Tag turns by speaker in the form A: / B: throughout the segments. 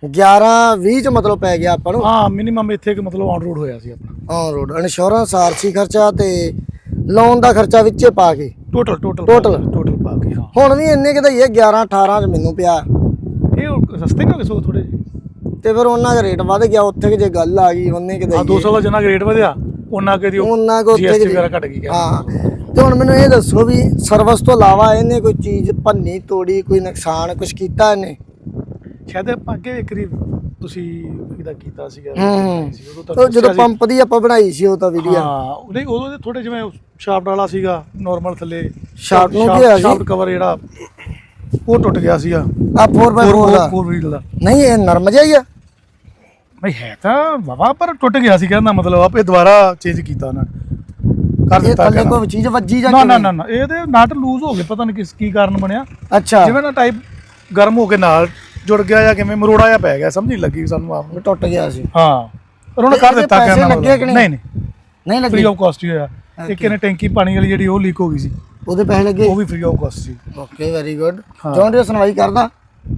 A: 11-20 ਚ ਮਤਲਬ ਪੈ ਗਿਆ ਆਪਾਂ ਨੂੰ।
B: ਹਾਂ ਮਿਨੀਮਮ ਇੱਥੇ ਮਤਲਬ ਔਨ ਰੋਡ ਹੋਇਆ ਸੀ ਆਪਣਾ।
A: ਔਨ ਰੋਡ ਇੰਸ਼ੋਰੈਂਸ ਆਰਸੀ ਖਰਚਾ ਤੇ ਲੋਨ ਦਾ ਖਰਚਾ ਵਿੱਚੇ ਪਾ ਕੇ
B: ਟੋਟਲ ਪਾ ਕੇ। ਹਾਂ
A: ਹੁਣ ਵੀ ਇੰਨੇ ਕਿਤੇ ਹੀ 11-18 ਚ ਮੈਨੂੰ ਪਿਆ।
B: ਇਹ ਸਸਤੇ ਨਹੀਂ ਹੋ ਗਏ ਸੋ ਥੋੜੇ ਜਿਹੇ
A: ਤੇ ਫਿਰ ਉਹਨਾਂ ਦਾ ਰੇਟ ਵੱਧ ਗਿਆ ਉੱਥੇ ਕਿ ਜੇ ਗੱਲ ਆ ਗਈ ਉਹਨੇ ਕਿਤੇ
B: 200 ਦਾ ਜਿੰਨਾ ਰੇਟ ਵਧਿਆ ਉਹਨਾਂ ਕਿ
A: ਉਹਨਾਂ ਕੋ ਉੱਥੇ
B: GST ਵਗੈਰਾ ਘਟ ਗਈ।
A: ਹਾਂ ਤੇ ਹੁਣ ਮੈਨੂੰ ਇਹ ਦੱਸੋ ਵੀ ਸਰਵਿਸ ਤੋਂ ਇਲਾਵਾ ਇਹਨੇ ਕੋਈ ਚੀਜ਼ ਭੰਨੀ ਤੋੜੀ ਕੋਈ ਨੁਕਸਾਨ ਕੁਝ ਕੀਤਾ ਇਹਨੇ?
B: ਸ਼ਾਇਦ ਅੱਗੇ ਇੱਕ ਵਾਰੀ ਤੁਸੀਂ ਇਹਦਾ ਕੀਤਾ ਸੀਗਾ
A: ਉਹ ਜਦੋਂ ਪੰਪ ਦੀ ਆਪਾਂ ਬਣਾਈ ਸੀ ਉਹ ਤਾਂ ਵੀਡੀਓ।
B: ਹਾਂ ਨਹੀਂ ਉਦੋਂ ਦੇ ਥੋੜੇ ਜਿਵੇਂ ਸ਼ਾਫਟ ਵਾਲਾ ਸੀਗਾ ਨਾਰਮਲ ਥੱਲੇ
A: ਸ਼ਾਫਟ ਨੂੰ ਕੀ ਹੋਇਆ ਸੀ?
B: ਸ਼ਾਫਟ ਕਵਰ ਜਿਹੜਾ ਉਹ ਟੁੱਟ ਗਿਆ ਸੀਗਾ
A: ਆ 4x4 ਦਾ।
B: 4 ਵੀਲ ਦਾ
A: ਨਹੀਂ ਇਹ ਨਰਮ ਜਿਹਾ ਹੀ ਆ।
B: ਨਹੀਂ ਹੈ ਤਾਂ ਵਾਵਾ ਪਰ ਟੁੱਟ ਗਿਆ ਸੀ ਕਹਿੰਦਾ ਮਤਲਬ ਆਪੇ ਦੁਬਾਰਾ ਚੇਂਜ ਕੀਤਾ ਉਹਨਾਂ ਨੇ ਕਰ
A: ਇਹ
B: ਦਿੱਤਾ।
A: ਥੱਲੇ ਕੋਈ ਚੀਜ਼ ਵੱਜੀ ਜਾਂ
B: ਨਾ ਇਹ ਤੇ ਨਟ ਲੂਜ਼ ਹੋ ਗਏ ਪਤਾ ਨਹੀਂ ਕੀ ਕਾਰਨ ਬਣਿਆ।
A: ਅੱਛਾ
B: ਜਿਵੇਂ ਨਾ ਟਾਈਪ ਗਰਮ ਹੋ ਕੇ ਨਾਲ ਜੁੜ ਗਿਆ ਜਾਂ ਕਿਵੇਂ ਮਰੋੜਾ ਜਿਹਾ ਪੈ ਗਿਆ ਸਮਝ ਨਹੀਂ ਲੱਗੀ ਸਾਨੂੰ ਆਪ ਨੂੰ।
A: ਟੁੱਟ ਗਿਆ ਸੀ।
B: ਹਾਂ ਪਰ ਉਹਨੇ ਕਰ ਦਿੱਤਾ ਕਹਿੰਦਾ
A: ਨਹੀਂ ਲੱਗੇ
B: ਫ੍ਰੀ ਆਫ ਕਾਸਟ ਹੀ ਹੋਇਆ। ਇੱਕ ਇਹਨੇ ਟੈਂਕੀ ਪਾਣੀ ਵਾਲੀ ਜਿਹੜੀ ਉਹ ਲੀਕ ਹੋ ਗਈ ਸੀ
A: ਉਹਦੇ ਪੈਸੇ ਲੱਗੇ
B: ਉਹ ਵੀ ਫ੍ਰੀ ਆਫ ਕਾਸਟ ਸੀ।
A: Okay very good. John Deere ਸੁਣਵਾਈ ਕਰਦਾ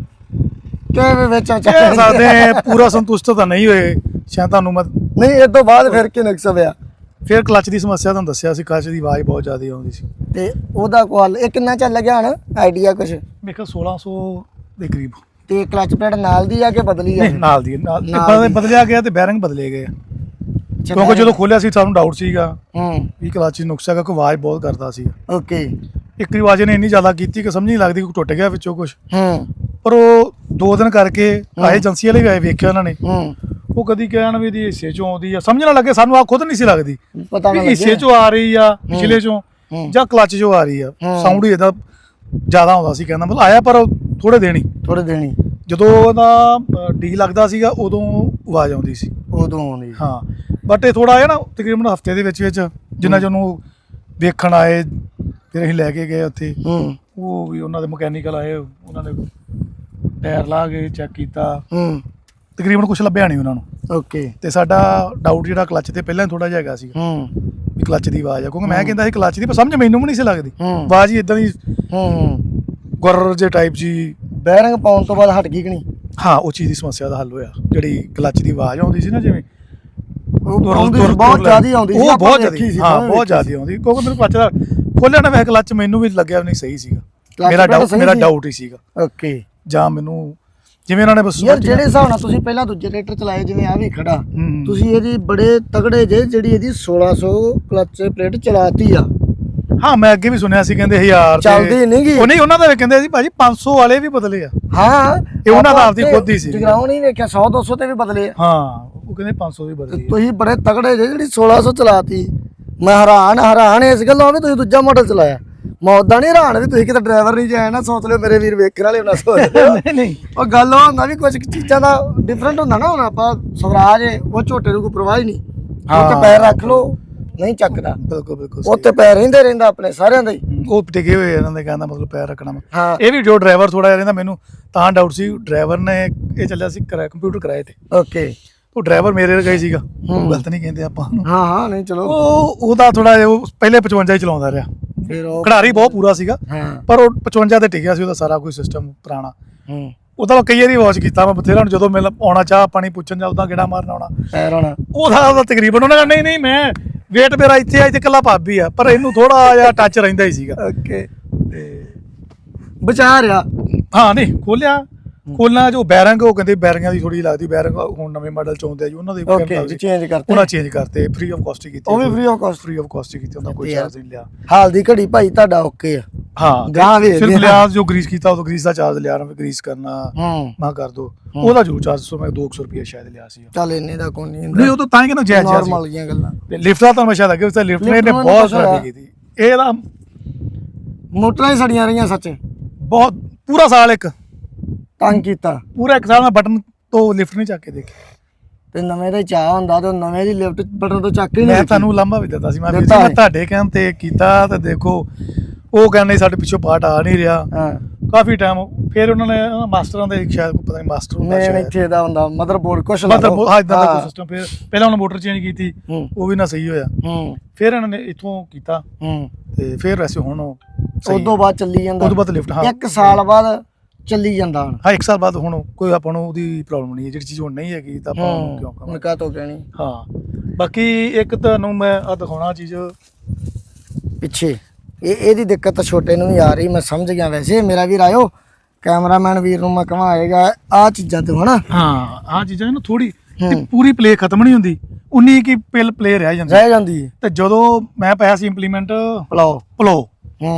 A: ਕਿ ਵਿੱਚ
B: ਕਹਿ ਸਕਦੇ ਪੂਰਾ ਸੰਤੁਸ਼ਟ ਤਾਂ ਨਹੀਂ ਹੋਏ ਸ਼ਾਇਦ ਤੁਹਾਨੂੰ ਮੈਂ
A: ਨਹੀਂ ਇਹ ਤੋਂ ਬਾਅਦ ਫਿਰ ਕੀ ਨੁਕਸ ਪਿਆ?
B: ਫਿਰ ਕਲਚ ਦੀ ਸਮੱਸਿਆ ਤੁਹਾਨੂੰ ਦੱਸਿਆ ਸੀ ਕਲਚ ਦੀ ਆਵਾਜ਼ ਬਹੁਤ ਜ਼ਿਆਦਾ ਆਉਂਦੀ ਸੀ
A: ਤੇ ਉਹਦਾ ਕੋਲ ਇਹ ਕਿੰਨਾ ਚੱਲ ਗਿਆ ਹਣ ਆਈਡੀਆ ਕੁਛ?
B: ਮੇਰੇ ਕੋਲ 1600 ਦੇ ਕਰੀਬ।
A: ਤੇ ਕਲਚ ਪਲੇਟ ਨਾਲ ਦੀ ਆ ਕਿ ਬਦਲੀ ਆ?
B: ਨਹੀਂ ਨਾਲ ਦੀ ਬਦਲਿਆ ਗਿਆ ਤੇ ਬੈਰਿੰਗ ਬਦਲੇ ਗਏ ਕਿਉਂਕਿ ਜਦੋਂ ਖੋਲਿਆ ਸੀ ਸਾਨੂੰ ਡਾਊਟ ਸੀਗਾ ਵੀ ਕਲਚ ਨੁਕਸ ਹੈਗਾ ਕੋਈ ਆਵਾਜ਼ ਬਹੁਤ ਕਰਦਾ ਸੀ।
A: ਓਕੇ
B: ਇੱਕ ਵਾਰੀ ਆਵਾਜ਼ ਨੇ ਇੰਨੀ ਜ਼ਿਆਦਾ ਕੀਤੀ ਕਿ ਸਮਝ ਨਹੀਂ ਲੱਗਦੀ ਕੋਈ ਟੁੱਟ ਗਿਆ ਵਿੱਚੋਂ ਕੁਝ। ਪਰ ਉਹ 2 ਦਿਨ ਕਰਕੇ ਆਏ ਏਜੰਸੀ ਵਾਲੇ ਵੀ ਆਏ ਵੇਖਿਆ ਉਹਨਾਂ ਨੇ ਉਹ ਕਦੀ ਕਹਿਣ ਵੀ ਇਹਦੀ ਹਿੱਸੇ ਚੋਂ ਆਉਂਦੀ ਆ ਸਮਝ ਨਾ ਲੱਗੇ ਸਾਨੂੰ ਆ ਖੁਦ ਨਹੀਂ ਸੀ ਲੱਗਦੀ ਵੀ ਹਿੱਸੇ ਚੋਂ ਆ ਰਹੀ ਆ ਪਿਛਲੇ ਚੋਂ ਜਾਂ ਕਲਚ ਚੋਂ ਆ ਰਹੀ ਆ। ਸਾਊਂਡ ਹੀ ਇਹਦਾ ਜ਼ਿਆਦਾ ਆਉਂਦਾ ਸੀ ਕਹਿੰਦਾ ਮਤਲਬ ਆਇਆ ਪਰ ਥੋੜੇ ਦਿਨ ਹੀ ਜਦੋਂ ਉਹਦਾ ਡੀ ਲੱਗਦਾ ਸੀਗਾ ਉਦੋਂ ਆਵਾਜ਼ ਆਉਂਦੀ ਸੀ
A: ਉਦੋਂ ਆਉਂਦੀ।
B: ਹਾਂ ਬਟ ਇਹ ਥੋੜਾ ਆਇਆ ਨਾ ਤਕਰੀਬਨ ਹਫਤੇ ਦੇ ਵਿੱਚ ਜਿੰਨਾ ਚ ਉਹਨੂੰ ਵੇਖਣ ਆਏ ਫਿਰ ਅਸੀਂ ਲੈ ਕੇ ਗਏ ਉੱਥੇ ਉਹ ਵੀ ਉਹਨਾਂ ਦੇ ਮਕੈਨੀਕਲ ਆਏ ਉਹਨਾਂ ਨੇ ਟਾਇਰ ਲਾ ਕੇ ਚੈੱਕ ਕੀਤਾ ਤਕਰੀਬਨ ਕੁਝ ਲੱਭਿਆ ਨਹੀਂ ਉਹਨਾਂ ਨੂੰ।
A: ਓਕੇ ਤੇ
B: ਸਾਡਾ ਡਾਊਟ ਜਿਹੜਾ ਕਲਚ ਤੇ ਪਹਿਲਾਂ ਥੋੜਾ ਜਿਹਾ ਹੈਗਾ ਸੀ ਵੀ ਕਲਚ ਦੀ ਆਵਾਜ਼ ਆ ਕਿਉਂਕਿ ਮੈਂ ਕਹਿੰਦਾ ਸੀ ਕਲਚ ਦੀ ਪਰ ਸਮਝ ਮੈਨੂੰ ਵੀ ਨਹੀਂ ਸੀ ਲੱਗਦੀ ਆਵਾਜ਼ ਹੀ ਇਦਾਂ ਦੀ ਗੁਰ ਜੇ ਟਾਈਪ ਜੀ।
A: ਬੈਰਿੰਗ ਪਾਉਣ ਤੋਂ ਬਾਅਦ ਹਟ ਗਈ ਕਿ ਨਹੀਂ?
B: ਹਾਂ ਉਹ ਚੀਜ਼ ਦੀ ਸਮੱਸਿਆ ਦਾ ਹੱਲ ਹੋਇਆ ਜਿਹੜੀ ਕਲਚ ਦੀ ਆਵਾਜ਼ ਆਉਂਦੀ ਸੀ ਨਾ ਜਿਵੇਂ
A: ਬਹੁਤ ਜ਼ਿਆਦਾ ਆਉਂਦੀ ਸੀ।
B: ਉਹ ਬਹੁਤ ਜ਼ਿਆਦਾ ਹਾਂ ਬਹੁਤ ਜ਼ਿਆਦਾ ਆਉਂਦੀ ਕਿਉਂਕਿ ਮੈਨੂੰ ਕਲਚ ਦਾ ਖੋਲਿਆ ਨਾ ਮੈਂ ਕਲਚ ਮੈਨੂੰ ਵੀ ਲੱਗਿਆ ਨਹੀਂ ਸਹੀ ਸੀਗਾ ਮੇਰਾ ਡਾਊਟ ਹੀ ਸੀਗਾ।
A: ਓਕੇ
B: ਜਾਂ ਮੈਨੂੰ ਜਿਵੇਂ ਉਹਨਾਂ ਨੇ ਬਸ
A: ਯਾਰ ਜਿਹੜੇ ਹਿਸਾਬ ਨਾਲ ਤੁਸੀਂ ਪਹਿਲਾਂ ਦੂਜੇ ਟਰੈਕਟਰ ਚਲਾਏ ਜਿਵੇਂ ਆ ਵੀ ਖੜਾ ਤੁਸੀਂ ਇਹਦੀ ਬੜੇ ਤਗੜੇ ਜਿਹੜੀ ਇਹਦੀ 1600 ਕਲਚ ਪਲੇਟ ਚਲਾਤੀ ਆ।
B: ਹਾਂ ਮੈਂ ਅੱਗੇ ਵੀ ਸੁਣਿਆ ਸੀ ਕਹਿੰਦੇ 1000
A: ਚੱਲਦੀ ਨਹੀਂ ਗੀ
B: ਉਹ ਨਹੀਂ ਉਹਨਾਂ ਦਾ ਵੀ ਕਹਿੰਦੇ ਸੀ ਭਾਜੀ 500 ਵਾਲੇ ਵੀ ਬਦਲੇ ਆ।
A: ਹਾਂ
B: ਇਹ ਉਹਨਾਂ ਦਾ ਆਪਦੀ ਖੁਦ ਹੀ ਸੀ
A: ਜਗਰਾਉਂ ਨਹੀਂ ਵੇਖਿਆ 100-200 ਤੇ ਵੀ ਬਦਲੇ ਆ।
B: ਹਾਂ ਉਹ ਕਹਿੰਦੇ 500 ਵੀ ਬਦਲੇ
A: ਤੁਸੀਂ ਬੜੇ ਤਗੜੇ ਜਿਹੜੀ 1600 ਚਲਾਤੀ। ਮੈਂ ਹੈਰਾਨ ਇਸ ਗੱਲੋਂ ਵੀ ਤੁਸੀਂ ਦੂਜਾ ਮਾਡਲ ਚਲਾਇਆ। ਮੈਂ ਉਦਾਂ ਨਹੀਂ ਹੈਰਾਨ ਵੀ ਤੁਸੀਂ ਕਿਤੇ ਡਰਾਈਵਰ ਨਹੀਂ ਜਾਇਆ ਨਾ ਸੋਚ ਲਿਓ ਮੇਰੇ ਵੀਰ ਵੇਖਣ ਵਾਲੇ ਨਾ ਸੋਚ ਨਹੀਂ ਉਹ ਗੱਲ ਉਹ ਹੁੰਦਾ ਵੀ ਕੁਝ ਚੀਜ਼ਾਂ ਦਾ ਡਿਫਰੈਂਟ ਹੁੰਦਾ ਨਾ। ਹੁਣ ਆਪਾਂ ਸਵਰਾਜ ਉਹ ਝੋਟੇ ਨੂੰ ਕੋਈ ਪਰਵਾਹ ਹੀ ਨਹੀਂ ਉੱਤੇ ਪੈਰ ਰੱਖ ਲਓ ਨਹੀਂ ਚੱਕਦਾ।
B: ਬਿਲਕੁਲ
A: ਉੱਤੇ ਪੈਰ ਰਹਿੰਦਾ ਆਪਣੇ ਸਾਰਿਆਂ ਦਾ ਹੀ ਉਹ
B: ਟਿਕੇ ਹੋਏ ਇਹਨਾਂ ਦੇ ਕਹਿੰਦਾ ਮਤਲਬ ਪੈਰ ਰੱਖਣਾ। ਇਹ ਵੀ ਜੋ ਡਰਾਈਵਰ ਥੋੜਾ ਜਿਹਾ ਰਹਿੰਦਾ ਮੈਨੂੰ ਤਾਂ ਡਾਊਟ ਸੀ ਡਰਾਈਵਰ ਨੇ ਇਹ ਚੱਲਿਆ ਸੀ ਕੰਪਿਊਟਰ ਕਿਰਾਏ ਤੇ। ਓਕੇ ਉਹ ਡਰਾਈਵਰ ਮੇਰੇ ਵਰਗਾ ਹੀ ਸੀਗਾ ਗਲਤ ਨਹੀਂ ਕਹਿੰਦੇ ਆਪਾਂ
A: ਹਾਂ ਨਹੀਂ ਚਲੋ
B: ਉਹਦਾ ਥੋੜਾ ਜਿਹਾ ਉਹ ਪਹਿਲੇ 55 ਹੀ ਚਲਾਉਂਦਾ ਰਿਹਾ ਫਿਰ ਉਹ ਖਿਡਾਰੀ ਬਹੁਤ ਪੂਰਾ ਸੀਗਾ ਪਰ ਉਹ 55 ਤੇ ਟਿਕਿਆ ਸੀ ਉਹਦਾ ਸਾਰਾ ਕੋਈ ਸਿਸਟਮ ਪੁਰਾਣਾ। ਉਹਦਾ ਕਈ ਵਾਰੀ ਵਾਚ ਕੀਤਾ ਮੈਂ ਬਥੇਰਾ ਜਦੋਂ ਮੈਂ ਆਉਣਾ ਚਾਹ ਪਾਣੀ ਪੁੱਛਣ ਜਾਂ ਉਦਾਂ ਗੇੜਾ ਮਾਰਨ ਆਉਣਾ ਉਹਦਾ ਤਕਰੀਬਨ ਉਹਨਾਂ ਕਹਿੰਦਾ ਨਹੀਂ ਮੈਂ ਵੇਟ ਮੇਰਾ ਇੱਥੇ ਆ ਇੱਥੇ ਇਕੱਲਾ ਭਾਬੀ ਆ ਪਰ ਇਹਨੂੰ ਥੋੜਾ ਜਿਹਾ ਟੱਚ ਰਹਿੰਦਾ ਹੀ ਸੀਗਾ। ਓਕੇ ਤੇ ਬਚਾ ਰਿਹਾ। ਹਾਂ ਨਹੀਂ ਖੋਲਣਾ ਜੋ ਬੈਰਿੰਗ ਉਹ ਕਹਿੰਦੇ ਬੈਰਿੰਗਾਂ ਦੀ ਥੋੜੀ ਲੱਗਦੀ ਬੈਰਿੰਗ ਹੁਣ ਨਵੇਂ ਮਾਡਲ ਚ ਆਉਂਦੇ ਆ ਜੀ ਉਹਨਾਂ ਦੇ ਚੇਂਜ ਕਰਤੇ ਫ੍ਰੀ ਆਫ ਕਾਸਟ ਕੀਤੀ ਉਹ ਵੀ ਫ੍ਰੀ ਆਫ ਕਾਸਟ ਕੀਤੀ ਉਹਦਾ ਕੋਈ ਚਾਰਜ ਨਹੀਂ ਲਿਆ। ਹਾਲ ਦੀ ਘੜੀ ਭਾਈ ਤੁਹਾਡਾ ਓਕੇ ਆ। ਹਾਂ ਗਾਂ ਵੀ ਸਿਰਫ ਲਿਆ ਜੋ ਗਰੀਸ ਕੀਤਾ ਉਹ ਗਰੀਸ ਦਾ ਚਾਰਜ ਲਿਆ ਗਰੀਸ ਕਰਨਾ ਮੈਂ ਕਰ ਦੋ ਉਹਦਾ ਜੋ ਚਾਰਜ ਮੈਂ 200 ਰੁਪਏ ਸ਼ਾਇਦ ਲਿਆ ਸੀ। ਚੱਲ ਇੰਨੇ ਦਾ ਕੋਈ ਨਹੀਂ ਉਹ ਤਾਂ ਹੀ ਕਹਿੰਦਾ ਜਾਇਜ਼ ਨਾਰਮਲ ਜੀਆਂ ਗੱਲਾਂ। ਲਿਫਟ ਦਾ ਤਾਂ ਮੈਂ ਸ਼ਾਇਦ ਅੱਗੇ ਲਿਫਟ ਨੇ ਬਹੁਤ ਖਰਾਬੀ ਕੀਤੀ ਇਹਦਾ ਮੋਟਰਾਂ ਹੀ ਸੜੀਆਂ ਰਹੀਆਂ ਸੱਚ ਬਹੁਤ ਪੂਰਾ ਸਾਲ ਇੱਕ ਤੰਗ ਕੀਤਾ ਪੂਰਾ ਇੱਕ ਸਾਲ ਮੈਂ ਬਟਨ ਤੋਂ ਲਿਫਟ ਨਹੀਂ ਚੱਕ ਕੇ ਦੇਖੀ ਤੇ ਨਵੇਂ ਦਾ ਚਾਹ ਹੁੰਦਾ ਤੇ ਨਵੇਂ ਦੀ ਲਿਫਟ ਬਟਨ ਤੋਂ ਚੱਕ ਹੀ ਨਹੀਂ। ਮੈਂ ਤੁਹਾਨੂੰ ਲੰਬਾ ਵੀ ਦਿੱਤਾ ਸੀ ਮੈਂ ਤੁਹਾਡੇ ਕਹਿਣ ਤੇ ਕੀਤਾ ਤੇ ਦੇਖੋ ਉਹ ਕਹਿੰਦੇ ਸਾਡੇ ਪਿੱਛੋਂ ਪਾਰਟ ਆ ਨਹੀਂ ਰਿਹਾ ਕਾਫੀ ਟਾਈਮ ਫਿਰ ਉਹਨਾਂ ਨੇ ਮਾਸਟਰਾਂ ਦੇ ਸ਼ਾਇਦ ਪਤਾ ਨਹੀਂ ਮਾਸਟਰ ਹੁੰਦਾ ਇੱਥੇ ਦਾ ਹੁੰਦਾ ਮਦਰਬੋਰਡ ਕੁਛ ਮਦਰਬੋਰਡ ਹਾਂ ਇਦਾਂ ਦਾ ਕੋਈ ਸਿਸਟਮ ਫਿਰ ਪਹਿਲਾਂ ਉਹਨਾਂ ਮੋਟਰ ਚੇਂਜ ਕੀਤੀ ਉਹ ਵੀ ਨਾ ਸਹੀ ਹੋਇਆ ਫਿਰ ਇਹਨਾਂ ਨੇ ਇੱਥੋਂ ਕੀਤਾ ਤੇ ਫਿਰ ਵੈਸੇ ਹੁਣ ਉਦੋਂ ਬਾਅਦ ਚੱਲੀ ਜਾਂਦਾ ਉਦੋਂ ਬਾਅਦ ਲਿਫਟ ਹਾਂ 1 ਸਾਲ ਬਾਅਦ
A: ਚੱਲੀ ਜਾਂਦਾ ਹੁਣ।
B: ਹਾਂ 1 ਸਾਲ ਬਾਅਦ ਹੁਣ ਕੋਈ ਆਪਾਂ ਨੂੰ ਉਹਦੀ ਪ੍ਰੋਬਲਮ ਨਹੀਂ ਹੈ, ਜਿਹੜੀ ਚੀਜ਼ ਹੁਣ ਨਹੀਂ ਹੈਗੀ ਤਾਂ ਆਪਾਂ ਉਹਨੂੰ ਕਿਉਂ ਕਰਾਂਗੇ।
A: ਮੈਂ ਕਾ ਤੋਂ ਕਹਿਣੀ
B: ਹਾਂ ਬਾਕੀ ਇੱਕ ਤੁਹਾਨੂੰ ਮੈਂ ਆ ਦਿਖਾਉਣਾ ਚੀਜ਼
A: ਪਿੱਛੇ ਇਹਦੀ ਦਿੱਕਤ ਤਾਂ ਛੋਟੇ ਨੂੰ ਵੀ ਆ ਰਹੀ, ਮੈਂ ਸਮਝ ਗਿਆ। ਵੈਸੇ ਮੇਰਾ ਵੀਰ ਆਇਓ ਕੈਮਰਾਮੈਨ ਵੀਰ ਨੂੰ ਮੈਂ ਕਹਾਂ ਆਏਗਾ ਆ ਚੀਜ਼ਾਂ ਤੋਂ ਹਨਾ।
B: ਹਾਂ ਆ ਚੀਜ਼ਾਂ ਨਾ ਥੋੜੀ ਪੂਰੀ ਪਲੇ ਖਤਮ ਨਹੀਂ ਹੁੰਦੀ, 19 ਕੀ ਪਿਲ ਪਲੇ ਰਹਿ ਜਾਂਦੀ ਹੈ। ਤੇ ਜਦੋਂ ਮੈਂ ਪਾਇਆ ਸੀ ਇੰਪਲੀਮੈਂਟ ਪਲੋ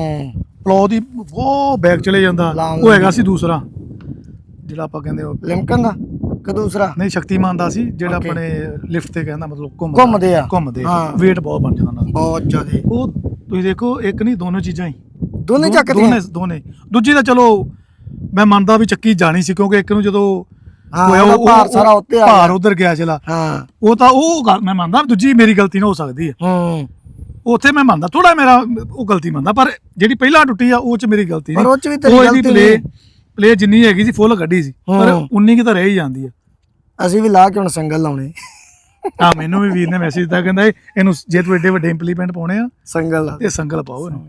B: ਪਲੋ ਦੀ ਉਹ ਬੈਗ ਚਲੇ ਜਾਂਦਾ, ਉਹ ਹੈਗਾ ਸੀ ਦੂਸਰਾ ਜਿਹੜਾ ਆਪਾਂ ਕਹਿੰਦੇ ਉਹ
A: ਲਿਮਕਨ ਦਾ ਕਿ ਦੂਸਰਾ
B: ਨਹੀਂ ਸ਼ਕਤੀਮਾਨ ਦਾ ਸੀ, ਜਿਹੜਾ ਆਪਣੇ ਲਿਫਟ ਤੇ ਕਹਿੰਦਾ ਮਤਲਬ
A: ਘੁੰਮਦੇ ਆ
B: weight ਬਹੁਤ ਬਣ ਜਾਂਦਾ
A: ਬਹੁਤ ਜ਼ਿਆਦਾ।
B: ਉਹ ਤੁਸੀਂ ਦੇਖੋ ਇੱਕ ਨਹੀਂ ਦੋਨੋਂ ਚੀਜ਼ਾਂ ਹੀ
A: ਦੋਨੇ ਚੱਕਦੇ
B: ਦੋਨੇ। ਦੂਜੀ ਤਾਂ ਚਲੋ ਮੈਂ ਮੰਨਦਾ ਵੀ ਚੱਕੀ ਜਾਣੀ ਸੀ, ਕਿਉਂਕਿ ਇੱਕ ਨੂੰ ਜਦੋਂ ਹੋਇਆ ਉਹ
A: ਭਾਰ ਸਾਰਾ ਉੱਤੇ ਆ ਗਿਆ,
B: ਭਾਰ ਉਧਰ ਗਿਆ ਚਲਾ। ਉਹ ਤਾਂ ਉਹ ਗੱਲ ਮੈਂ ਮੰਨਦਾ, ਦੂਜੀ ਮੇਰੀ ਗਲਤੀ ਨਾ ਹੋ ਸਕਦੀ ਹੈ। ਉੱਥੇ ਮੈਂ ਮੰਨਦਾ ਥੋੜਾ ਮੇਰਾ ਉਹ ਗਲਤੀ ਮੰਨਦਾ, ਪਰ ਜਿਹੜੀ ਪਹਿਲਾਂ ਟੁੱਟੀ ਆ ਉਹ ਚ ਮੇਰੀ ਗਲਤੀ ਨਹੀਂ। ਉਹ ਇਹਦੀ ਪਲੇ ਜਿੰਨੀ ਹੈਗੀ ਸੀ ਫੁੱਲ ਕੱਢੀ ਸੀ, ਪਰ 19 ਕੀ ਤਾਂ ਰਹਿ ਹੀ ਜਾਂਦੀ ਆ।
A: ਅਸੀਂ ਵੀ ਲਾ ਕੇ ਹੁਣ ਸੰਗਲ ਲਾਉਣੇ।
B: ਹਾਂ ਮੈਨੂੰ ਵੀ ਵੀਰ ਨੇ ਮੈਸੇਜ ਦਿੱਤਾ, ਕਹਿੰਦਾ ਇਹਨੂੰ ਜੇ ਤੂੰ ਏਡੇ ਵੱਡੇ ਇੰਪਲੀਮੈਂਟ ਪਾਉਣੇ ਆ
A: ਸੰਗਲ
B: ਤੇ ਸੰਗਲ ਪਾਓ ਇਹਨੂੰ।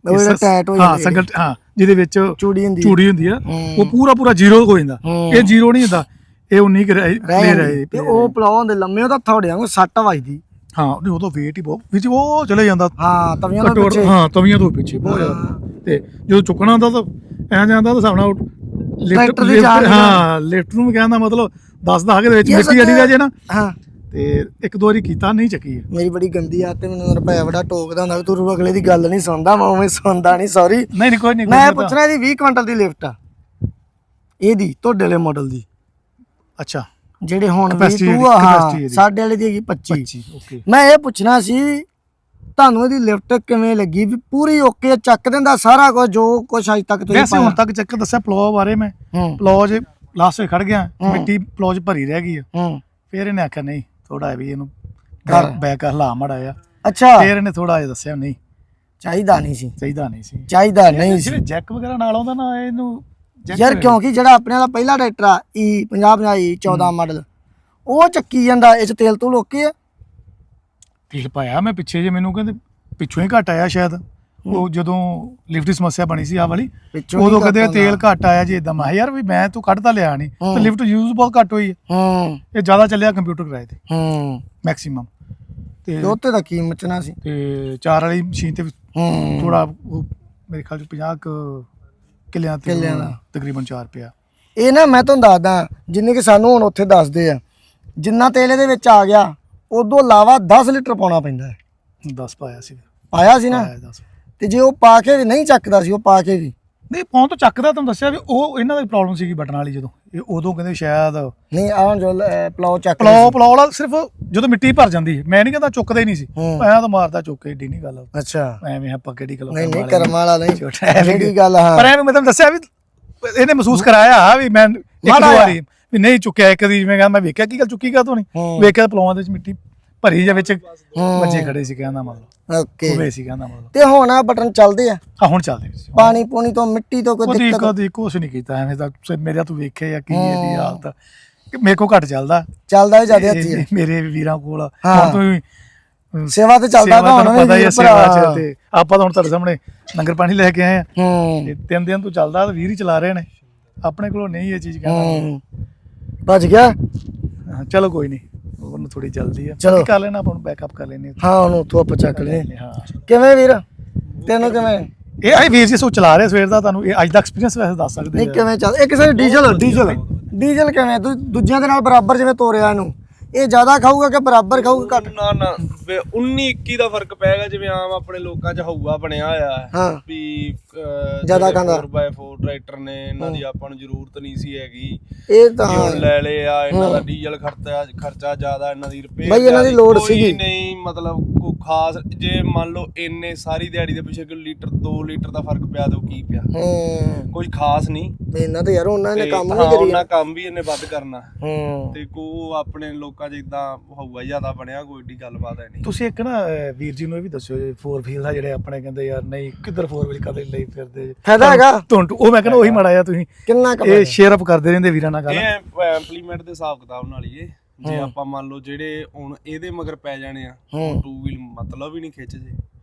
A: ਹਾਂ
B: ਸੰਗਲ ਹਾਂ ਜਿਹਦੇ ਵਿੱਚ
A: ਚੂੜੀ ਹੁੰਦੀ
B: ਆ, ਉਹ ਪੂਰਾ ਜ਼ੀਰੋ ਹੋ ਜਾਂਦਾ। ਇਹ ਜ਼ੀਰੋ ਨਹੀਂ ਹੁੰਦਾ, ਇਹ 19 ਰਹਿ ਰਹੇ।
A: ਤੇ ਉਹ ਪਲਾਉ ਹੁੰਦੇ ਲੰਮੇ, ਉਹਦਾ ਥੋੜਿਆਂ ਨੂੰ ਸੱਟ ਵੱਜਦੀ।
B: ਹਾਂ ਉਹਦਾ weight ਹੀ ਬਹੁਤ ਵਿੱਚ ਉਹ ਚਲੇ ਜਾਂਦਾ।
A: ਹਾਂ ਤਵੀਆਂ ਤੋਂ ਪਿੱਛੇ।
B: ਹਾਂ ਤਵੀਆਂ ਤੋਂ ਪਿੱਛੇ ਬਹੁਤ ਜ਼ਿਆਦਾ। ਤੇ ਜਦੋਂ ਚੁੱਕਣਾ ਹੁੰਦਾ ਤਾਂ ਐ ਜਾਂਦਾ ਤਾਂ ਹਿਸਾਬ ਨਾਲ ਲਿਫਟ ਨੂੰ ਵੀ ਕਹਿੰਦਾ ਮਤਲਬ ਦੱਸਦਾ ਕਿ ਦੇ ਵਿੱਚ ਮਿੱਟੀ ਅੜੀ ਰਹਿ ਜੇ ਨਾ।
A: ਹਾਂ
B: ਤੇ ਇੱਕ ਦੋ ਵਾਰੀ ਕੀਤਾ ਨਹੀਂ ਚੱਕੀ।
A: ਮੇਰੀ ਬੜੀ ਗੰਦੀ ਆ ਤੇ ਮੈਨੂੰ ਰੁਪਇਆ ਬੜਾ ਟੋਕਦਾ ਹੁੰਦਾ ਵੀ ਤੂੰ ਅਗਲੇ ਦੀ ਗੱਲ ਨਹੀਂ ਸੁਣਦਾ। ਮੈਂ ਉਵੇਂ ਸੁਣਦਾ ਨਹੀਂ, ਸੌਰੀ।
B: ਨਹੀਂ ਕੋਈ ਨਹੀਂ,
A: ਮੈਂ ਪੁੱਛਣਾ ਇਹਦੀ 20 ਕੁਇੰਟਲ ਦੀ ਲਿਫਟ ਆ ਇਹਦੀ ਤੁਹਾਡੇ ਵਾਲੇ ਮਾਡਲ ਦੀ।
B: ਅੱਛਾ
A: ਜਿਹੜੇ ਹੁਣ ਸਾਡੇ ਵਾਲੇ ਦੀ ਹੈਗੀ 25। ਮੈਂ ਇਹ ਪੁੱਛਣਾ ਸੀ ਤੁਹਾਨੂੰ ਇਹਦੀ ਲਿਫਟ ਕਿਵੇਂ ਲੱਗੀ, ਵੀ ਪੂਰੀ ਓਕੇ ਚੱਕ ਦਿੰਦਾ ਸਾਰਾ ਕੁਝ ਜੋ ਕੁਝ ਅਜ ਤੱਕ ਤੁਸੀਂ
B: ਵੈਸੇ ਹੁਣ ਤੱਕ ਚੱਕ ਦੱਸਿਆ ਪਲੋ ਬਾਰੇ ਮੈਂ। ਪਲੋ ਜੇ ਲਾਸਟ ਵਿੱਚ ਖੜ ਗਿਆ, ਮਿੱਟੀ ਪਲੋ ਚ ਭਰੀ ਰਹਿ ਗਈ ਆ। ਫਿਰ ਇਹਨੇ ਆਖਿਆ ਨਹੀਂ ਥੋੜਾ ਵੀ ਇਹਨੂੰ ਬੈਕ ਹਲਾ ਮੜਾ ਆ।
A: ਅੱਛਾ ਫਿਰ
B: ਇਹਨੇ ਥੋੜਾ ਜਿਹਾ ਦੱਸਿਆ ਨਹੀਂ
A: ਚਾਹੀਦਾ ਨਹੀਂ ਸੀ
B: ਜੈਕ ਵਗੈਰਾ ਨਾਲ ਆਉਂਦਾ ਨਾ ਇਹਨੂੰ
A: ਯਾਰ, ਕਿਉਂਕਿ ਜਿਹੜਾ ਆਪਣੇ ਵਾਲਾ ਪਹਿਲਾ ਟਰੈਕਟਰ ਆ E50 14 ਮਾਡਲ ਉਹ ਚੱਕੀ ਜਾਂਦਾ, ਇਹ ਚ ਤੇਲ ਤੂਲ ਓਕੇ ਆ।
B: ਤੇਲ ਪਾਇਆ ਮੈਂ ਪਿੱਛੇ ਜੇ, ਮੈਨੂੰ ਕਹਿੰਦੇ ਪਿੱਛੋਂ ਹੀ ਘੱਟ ਆਇਆ ਸ਼ਾਇਦ। ਉਹ ਜਦੋਂ ਲਿਫਟ ਦੀ ਸਮੱਸਿਆ ਬਣੀ ਸੀ ਆ ਵਾਲੀ, ਉਦੋਂ ਕਹਿੰਦੇ ਤੇਲ ਘੱਟ ਆਇਆ ਜੀ। ਇਦਾਂ ਮੈਂ ਯਾਰ ਵੀ ਮੈਂ ਤੂੰ ਕੱਢ ਤਾਂ ਲਿਆ ਨਹੀਂ, ਤੇ ਲਿਫਟ ਯੂਜ਼ ਬਹੁਤ ਘੱਟ ਹੋਈ ਹੈ। ਇਹ ਜ਼ਿਆਦਾ ਚੱਲਿਆ ਕੰਪਿਊਟਰ ਕਿਰਾਏ ਤੇ ਮੈਕਸਿਮਮ। ਤੇ
A: ਉੱਤੇ ਦਾ ਕੀ ਮਚਣਾ ਸੀ। ਤੇ
B: 4 ਵਾਲੀ ਮਸ਼ੀਨ ਤੇ ਥੋੜਾ ਮੇਰੇ ਖਿਆਲ ਚ 50 ਕਿੱਲਿਆਂ ਦਾ ਤਕਰੀਬਨ 4 ਰੁਪਇਆ।
A: ਇਹ ਨਾ ਮੈਂ ਤੁਹਾਨੂੰ ਦੱਸਦਾ, ਜਿੰਨੇ ਕਿ ਸਾਨੂੰ ਹੁਣ ਉੱਥੇ ਦੱਸਦੇ ਆ, ਜਿੰਨਾ ਤੇਲ ਇਹਦੇ ਵਿੱਚ ਆ ਗਿਆ ਉਦੋਂ ਇਲਾਵਾ 10 ਲੀਟਰ ਪਾਉਣਾ ਪੈਂਦਾ ਹੈ।
B: 10 ਪਾਇਆ ਸੀ ਨਾ।
A: ਤੇ ਜੇ ਉਹ ਪਾ ਕੇ ਵੀ ਨਹੀਂ ਚੱਕਦਾ ਸੀ, ਉਹ ਪਾ ਕੇ ਵੀ
B: ਨਹੀਂ ਪਾਉਣ ਤੋਂ ਚੱਕਦਾ। ਤੁਹਾਨੂੰ ਦੱਸਿਆ ਵੀ ਉਹ ਇਹਨਾਂ ਦੀ ਪ੍ਰੋਬਲਮ ਸੀਗੀ ਬਟਨ ਵਾਲੀ। ਜਦੋਂ ਇਹ ਉਦੋਂ ਕਹਿੰਦੇ ਸ਼ਾਇਦ
A: ਨਹੀਂ ਆਹ ਜੋ ਪਲਾਉ ਚੱਕ
B: ਪਲਾਉ ਵਾਲਾ ਸਿਰਫ ਜਦੋਂ ਮਿੱਟੀ ਭਰ ਜਾਂਦੀ। ਮੈਂ ਨਹੀਂ ਕਹਿੰਦਾ ਚੁੱਕਦਾ ਹੀ ਨਹੀਂ ਸੀ, ਐਂ ਤਾਂ ਮਾਰਦਾ ਚੁੱਕ ਏਡੀ ਨਹੀਂ ਗੱਲ।
A: ਅੱਛਾ
B: ਐਵੇਂ ਆਪਾਂ ਕਿਹੜੀ ਗੱਲ
A: ਨਹੀਂ ਕਰਮ ਵਾਲਾ ਨਹੀਂ ਛੋਟੀ ਗੱਲ। ਹਾਂ
B: ਪਰ ਐਵੇਂ ਮੈਂ ਤੁਹਾਨੂੰ ਦੱਸਿਆ ਵੀ ਇਹਨੇ ਮਹਿਸੂਸ ਕਰਾਇਆ ਵੀ ਮੈਂ ਇੱਕ ਦੋ ਵਾਰੀ ਵੀ ਨਹੀਂ ਚੁੱਕਿਆ। ਇੱਕ ਦੀ ਜਿਵੇਂ ਮੈਂ ਵੇਖਿਆ ਕੀ ਗੱਲ ਚੁੱਕੀ ਕਾ ਤੋਂ ਨਹੀਂ ਵੇਖਿਆ, ਪਲਾਉਆਂ ਦੇ ਵਿੱਚ ਮਿੱਟੀ ਭਰੀ ਜਾਂ ਵਿੱਚ ਬੱਚੇ ਖੜੇ ਸੀ ਕਹਿੰਦਾ ਮਤਲਬ।
A: ਓਕੇ
B: ਹੋਵੇ ਸੀ ਕਹਿੰਦਾ ਮਤਲਬ।
A: ਤੇ ਹੁਣ ਆ ਬਟਨ ਚੱਲਦੇ ਆ।
B: ਹੁਣ ਚੱਲਦੇ
A: ਪਾਣੀ ਪੂਣੀ ਤੋਂ ਮਿੱਟੀ ਤੋਂ ਕੋਈ ਦਿੱਕਤ
B: ਕਦੀ ਕੁਛ ਨਹੀਂ ਕੀਤਾ ਐਵੇਂ ਤਾਂ। ਮੇਰੇ ਤੂੰ ਵੇਖਿਆ ਜਾਂ ਕੀ ਇਹਦੀ ਹਾਲਤ, ਮੇਰੇ ਕੋਲ ਘੱਟ ਚੱਲਦਾ ਵੀ ਜ਼ਿਆਦਾ ਹੱਥੀ ਮੇਰੇ ਵੀਰਾਂ ਕੋਲ। ਹੁਣ ਤੂੰ
A: ਸੇਵਾ ਤੇ ਚੱਲਦਾ ਹੁਣ
B: ਪਤਾ ਹੀ ਆ ਸੇਵਾ ਚ। ਤੇ ਆਪਾਂ ਤਾਂ ਹੁਣ ਤੁਹਾਡੇ ਸਾਹਮਣੇ ਲੰਗਰ ਪਾਣੀ ਲੈ ਕੇ ਆਏ ਆ। ਤੇ 3 ਦਿਨ ਤੋਂ ਚੱਲਦਾ, ਵੀਰ ਹੀ ਚਲਾ ਰਹੇ ਨੇ। ਆਪਣੇ ਕੋਲੋਂ ਨਹੀਂ ਇਹ ਚੀਜ਼ ਕਹਿੰਦਾ
A: ਭੱਜ ਗਿਆ।
B: ਚਲੋ ਕੋਈ ਨਹੀਂ, ਉਹਨੂੰ ਥੋੜੀ ਜਲਦੀ ਆ, ਕਰ ਲੈਣਾ ਆਪਾਂ ਨੂੰ ਬੈਕਅਪ ਕਰ ਲੈਣੇ।
A: ਹਾਂ ਉਹਨੂੰ ਉੱਥੋਂ ਆਪਾਂ ਚੱਕ ਲੈ। ਕਿਵੇਂ ਵੀਰ ਤੈਨੂੰ ਕਿਵੇਂ
B: ਇਹ ਆਈ ਵੀਰ ਜੀ ਸੋ ਚਲਾ ਰਿਹਾ ਸਵੇਰ ਦਾ, ਤੁਹਾਨੂੰ ਇਹ ਅੱਜ ਦਾ ਐਕਸਪੀਰੀਅੰਸ ਵੈਸੇ ਦੱਸ ਸਕਦੇ
A: ਨਹੀਂ ਕਿਵੇਂ ਚੱਲ। ਇੱਕ ਸਾਰੇ ਡੀਜ਼ਲ ਕਿਵੇਂ ਦੂਜਿਆਂ ਦੇ ਨਾਲ ਬਰਾਬਰ ਜਿਵੇਂ ਤੋਰਿਆ ਇਹਨੂੰ, ਇਹ ਜ਼ਿਆਦਾ ਖਾਊਗਾ ਕਿ ਬਰਾਬਰ ਖਾਊਗਾ ਘੱਟ?
C: ਨਾ 19-21 ਦਾ ਫਰਕ ਪੈਗਾ, ਜਿਵੇਂ ਆਮ ਆਪਣੇ ਲੋਕਾਂ 'ਚ ਹਊਆ ਬਣਿਆ ਹੋਇਆ ਵੀ
A: ਜ਼ਿਆਦਾ ਖਾਂਦਾ
C: 4x4 ਟਰੈਕਟਰ ਨੇ, ਇਹਨਾਂ ਦੀ ਆਪਾਂ ਨੂੰ ਜ਼ਰੂਰਤ ਨਹੀਂ ਸੀ ਹੈਗੀ।
A: ਇਹ ਤਾਂ
C: ਹੁਣ ਲੈ ਲਏ ਆ, ਇਹਨਾਂ ਦਾ ਡੀਜ਼ਲ ਖਰਚਾ ਜ਼ਿਆਦਾ, ਇਹਨਾਂ ਦੀ ਰਿਪੇਅਰ
A: ਬਈ ਇਹਨਾਂ ਦੀ ਲੋੜ ਸੀਗੀ
C: ਨਹੀਂ। ਮਤਲਬ ਕੋਈ ਖਾਸ ਜੇ ਮੰਨ ਲਓ ਇੰਨੇ ਸਾਰੀ ਦਿਹਾੜੀ ਦੇ ਪਿੱਛੇ ਕੋਈ ਲੀਟਰ 2 ਲੀਟਰ ਦਾ ਫਰਕ ਪਿਆ ਤਾਂ ਕੀ ਪਿਆ, ਕੋਈ ਖਾਸ ਨਹੀਂ।
A: ਇਹਨਾਂ ਤੇ ਯਾਰ ਉਹਨਾਂ ਨੇ ਕੰਮ
C: ਨਹੀਂ ਕਰੀ, ਉਹਨਾਂ ਕੰਮ ਵੀ ਇਹਨੇ ਵੱਧ ਕਰਨਾ। ਤੇ ਕੋ ਆਪਣੇ ਲੋਕਾਂ ਜਿੱਦਾਂ ਹਊਆ ਜ਼ਿਆਦਾ ਬਣਿਆ, ਕੋਈ ਏਡੀ ਗੱਲਬਾਤ ਹੈ ਨਹੀਂ।
B: ਤੁਸੀਂ ਇੱਕ ਨਾ ਵੀਰ ਜੀ ਨੂੰ ਇਹ ਵੀ ਦੱਸਿਓ 4 ਵੀਲ ਦਾ, ਜਿਹੜੇ ਆਪਣੇ ਕਹਿੰਦੇ ਯਾਰ ਨਹੀਂ ਕਿੱਧਰ 4 ਵੀਲ ਕਦੇ ਲਈ ਫਿਰਦੇ
A: ਫਾਇਦਾ ਹੈਗਾ
B: ਉਹ ਮੈਂ ਕਹਿੰਦਾ ਉਹੀ ਮਾੜਾ ਆ। ਤੁਸੀਂ
A: ਕਿੰਨਾ
B: ਇਹ ਸ਼ੇਅਰ ਅਪ ਕਰਦੇ ਰਹਿੰਦੇ ਵੀਰਾਂ ਨਾਲ ਗੱਲ।
C: ਇਹ ਇੰਪਲੀਮੈਂਟ ਦੇ ਹਿਸਾਬ ਕਿਤਾਬ ਨਾਲ ਹੀ ਜੇ ਆਪਾਂ ਮੰਨ ਲਓ ਜਿਹੜੇ ਹੁਣ ਇਹਦੇ ਮਗਰ ਪੈ ਜਾਣੇ ਆ 2 ਵੀਲ ਮਤਲਬ ਹੀ ਨਹੀਂ ਖਿੱਚ ਜੇ।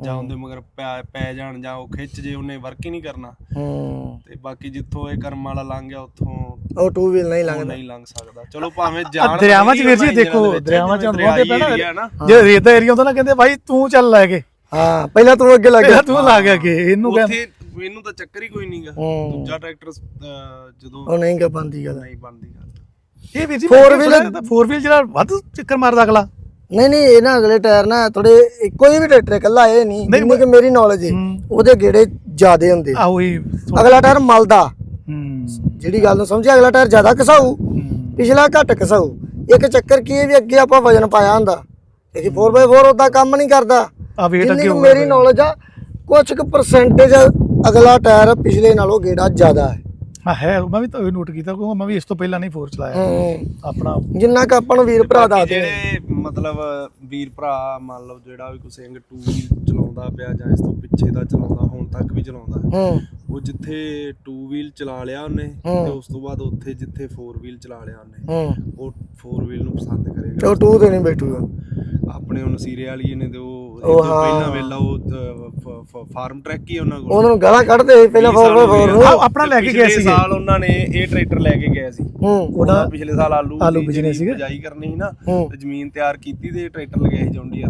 C: ਜਾਂ ਉਹਦੇ ਮਗਰ ਪੈ ਜਾਣ ਜਾਂ ਉਹ ਖਿੱਚ ਜੇ ਉਹਨੇ ਵਰਕ ਹੀ ਨਹੀਂ ਕਰਨਾ। ਤੇ ਬਾਕੀ ਜਿੱਥੋਂ ਇਹ ਕਰਮ ਵਾਲਾ ਲੰਘ ਗਿਆ ਉੱਥੋਂ
A: ਉਹ ਟੂ ਵੀਲ ਨਹੀਂ ਲੰਘਦਾ,
C: ਨਹੀਂ ਲੰਘ ਸਕਦਾ। ਚਲੋ ਭਾਵੇਂ ਜਾਣ
B: ਦਰਿਆਵਾਂ 'ਚ ਵੀਰ ਜੀ ਦੇਖੋ, ਦਰਿਆਵਾਂ 'ਚ ਹੁੰਦੇ ਪੈਣਾ ਜੇ ਰੇਤ ਦਾ ਏਰੀਆ ਹੁੰਦਾ ਨਾ, ਕਹਿੰਦੇ ਭਾਈ ਤੂੰ ਚੱਲ ਲੈ ਕੇ,
A: ਹਾਂ ਪਹਿਲਾਂ ਤੂੰ ਅੱਗੇ ਲੱਗ ਗਿਆ,
B: ਤੂੰ ਲਾ ਗਿਆ ਕਿ ਇਹਨੂੰ ਕਹਿੰਦੇ
C: ਇਹਨੂੰ ਤਾਂ ਚੱਕਰ ਹੀ ਕੋਈ ਨਹੀਂਗਾ। ਦੂਜਾ ਟਰੈਕਟਰ ਜਦੋਂ
A: ਉਹ ਨਹੀਂ ਬਣਦੀ ਗੱਲ,
C: ਨਹੀਂ ਬਣਦੀ ਗੱਲ।
B: ਇਹ ਵੀਰ ਜੀ
A: 4
B: ਵੀਲ ਜਿਹੜਾ ਵੱਧ ਚੱਕਰ ਮਾਰਦਾ ਅਗਲਾ,
A: ਨਹੀਂ ਇਹ ਨਾ ਅਗਲੇ ਟਾਇਰ ਨਾ ਥੋੜੇ, ਕੋਈ ਵੀ ਟਰੈਕਟਰ ਇਕੱਲਾ ਇਹ ਨਹੀਂ, ਜਿੰਨੀ ਕਿ ਮੇਰੀ ਨੌਲੇਜ ਹੈ ਉਹਦੇ ਗੇੜੇ ਜ਼ਿਆਦੇ ਹੁੰਦੇ।
B: ਆਹੋ ਹੀ
A: ਅਗਲਾ ਟਾਇਰ ਮਲਦਾ, ਜਿਹੜੀ ਗੱਲ ਨੂੰ ਸਮਝਿਆ, ਅਗਲਾ ਟਾਇਰ ਜ਼ਿਆਦਾ ਘਸਾਊ, ਪਿਛਲਾ ਘੱਟ ਘਸਾਊ। ਇੱਕ ਚੱਕਰ ਕੀ ਹੈ ਵੀ ਅੱਗੇ ਆਪਾਂ ਵਜਨ ਪਾਇਆ ਹੁੰਦਾ, ਇਹ 4x4 ਉਦਾਂ ਕੰਮ ਨਹੀਂ ਕਰਦਾ। ਜਿੰਨੀ ਕਿ ਮੇਰੀ ਨੌਲੇਜ ਆ, ਕੁਝ ਕੁ ਪਰਸੈਂਟੇਜ ਅਗਲਾ ਟਾਇਰ ਪਿਛਲੇ ਨਾਲੋਂ ਗੇੜਾ ਜ਼ਿਆਦਾ ਹੈ।
B: ਹੈ ਮੈਂ ਵੀ ਤਾਂ ਨੋਟ ਕੀਤਾ, ਕਿਉਂਕਿ ਮੈਂ ਵੀ ਇਸ ਤੋਂ ਪਹਿਲਾਂ ਨਹੀਂ 4 ਚਲਾਇਆ ਆਪਣਾ।
A: ਜਿੰਨਾ ਕ ਆਪਾਂ ਨੂੰ ਵੀਰ ਭਰਾ ਦੱਸਦੇ
C: ਜਿਹੜੇ ਮਤਲਬ ਵੀਰ ਭਰਾ ਮੰਨ ਲਓ ਜਿਹੜਾ ਵੀ ਕੋਈ ਸਿੰਘ 2 ਵੀਲ ਚਲਾਉਂਦਾ ਪਿਆ ਜਾਂ ਇਸ ਤੋਂ ਪਿੱਛੇ ਦਾ ਚਲਾਉਂਦਾ, ਹੁਣ ਤੱਕ ਵੀ ਚਲਾਉਂਦਾ, ਉਹ ਜਿੱਥੇ 2 ਵੀਲ ਚਲਾ ਲਿਆ ਉਹਨੇ ਤੇ ਉਸ ਤੋਂ ਬਾਅਦ ਉੱਥੇ ਜਿੱਥੇ 4 ਵੀਲ ਚਲਾ ਲਿਆ ਉਹਨੇ, ਉਹ 4 ਵੀਲ ਨੂੰ ਪਸੰਦ ਕਰੇਗਾ।
A: ਉਹ 2 ਤੇ ਨਹੀਂ ਬੈਠੂਗਾ।
C: ਆਪਣੇ ਉਹ ਨਸੀਰੇ ਵਾਲੀ ਨੇ ਤੇ ਉਹ ਪਹਿਲਾਂ ਵੇਲਾ ਉਹ ਫਾਰਮ ਟਰੈਕ ਹੀ ਉਹਨਾਂ ਕੋਲ,
A: ਉਹਨਾਂ ਨੂੰ ਗਾਲਾਂ ਕੱਢਦੇ ਸੀ ਪਹਿਲਾਂ 4x4 ਨੂੰ।
B: ਆਪਣਾ ਲੈ ਕੇ ਗਏ ਸੀ
C: ਸਾਲ ਉਹਨਾਂ ਨੇ ਇਹ ਟਰੈਕਟਰ ਲੈ ਕੇ ਗਏ ਸੀ। ਉਹਨਾਂ ਪਿਛਲੇ ਸਾਲ ਆਲੂ
B: ਬਿਜਨਸ ਸੀਗਾ,
C: ਬਿਜਾਈ ਕਰਨੀ ਸੀ ਨਾ, ਤੇ ਜ਼ਮੀਨ ਤਿਆਰ ਕੀਤੀ ਤੇ ਟਰੈਕਟਰ ਲਗਾਇਆ ਸੀ ਜੌਂਡੀਅਰ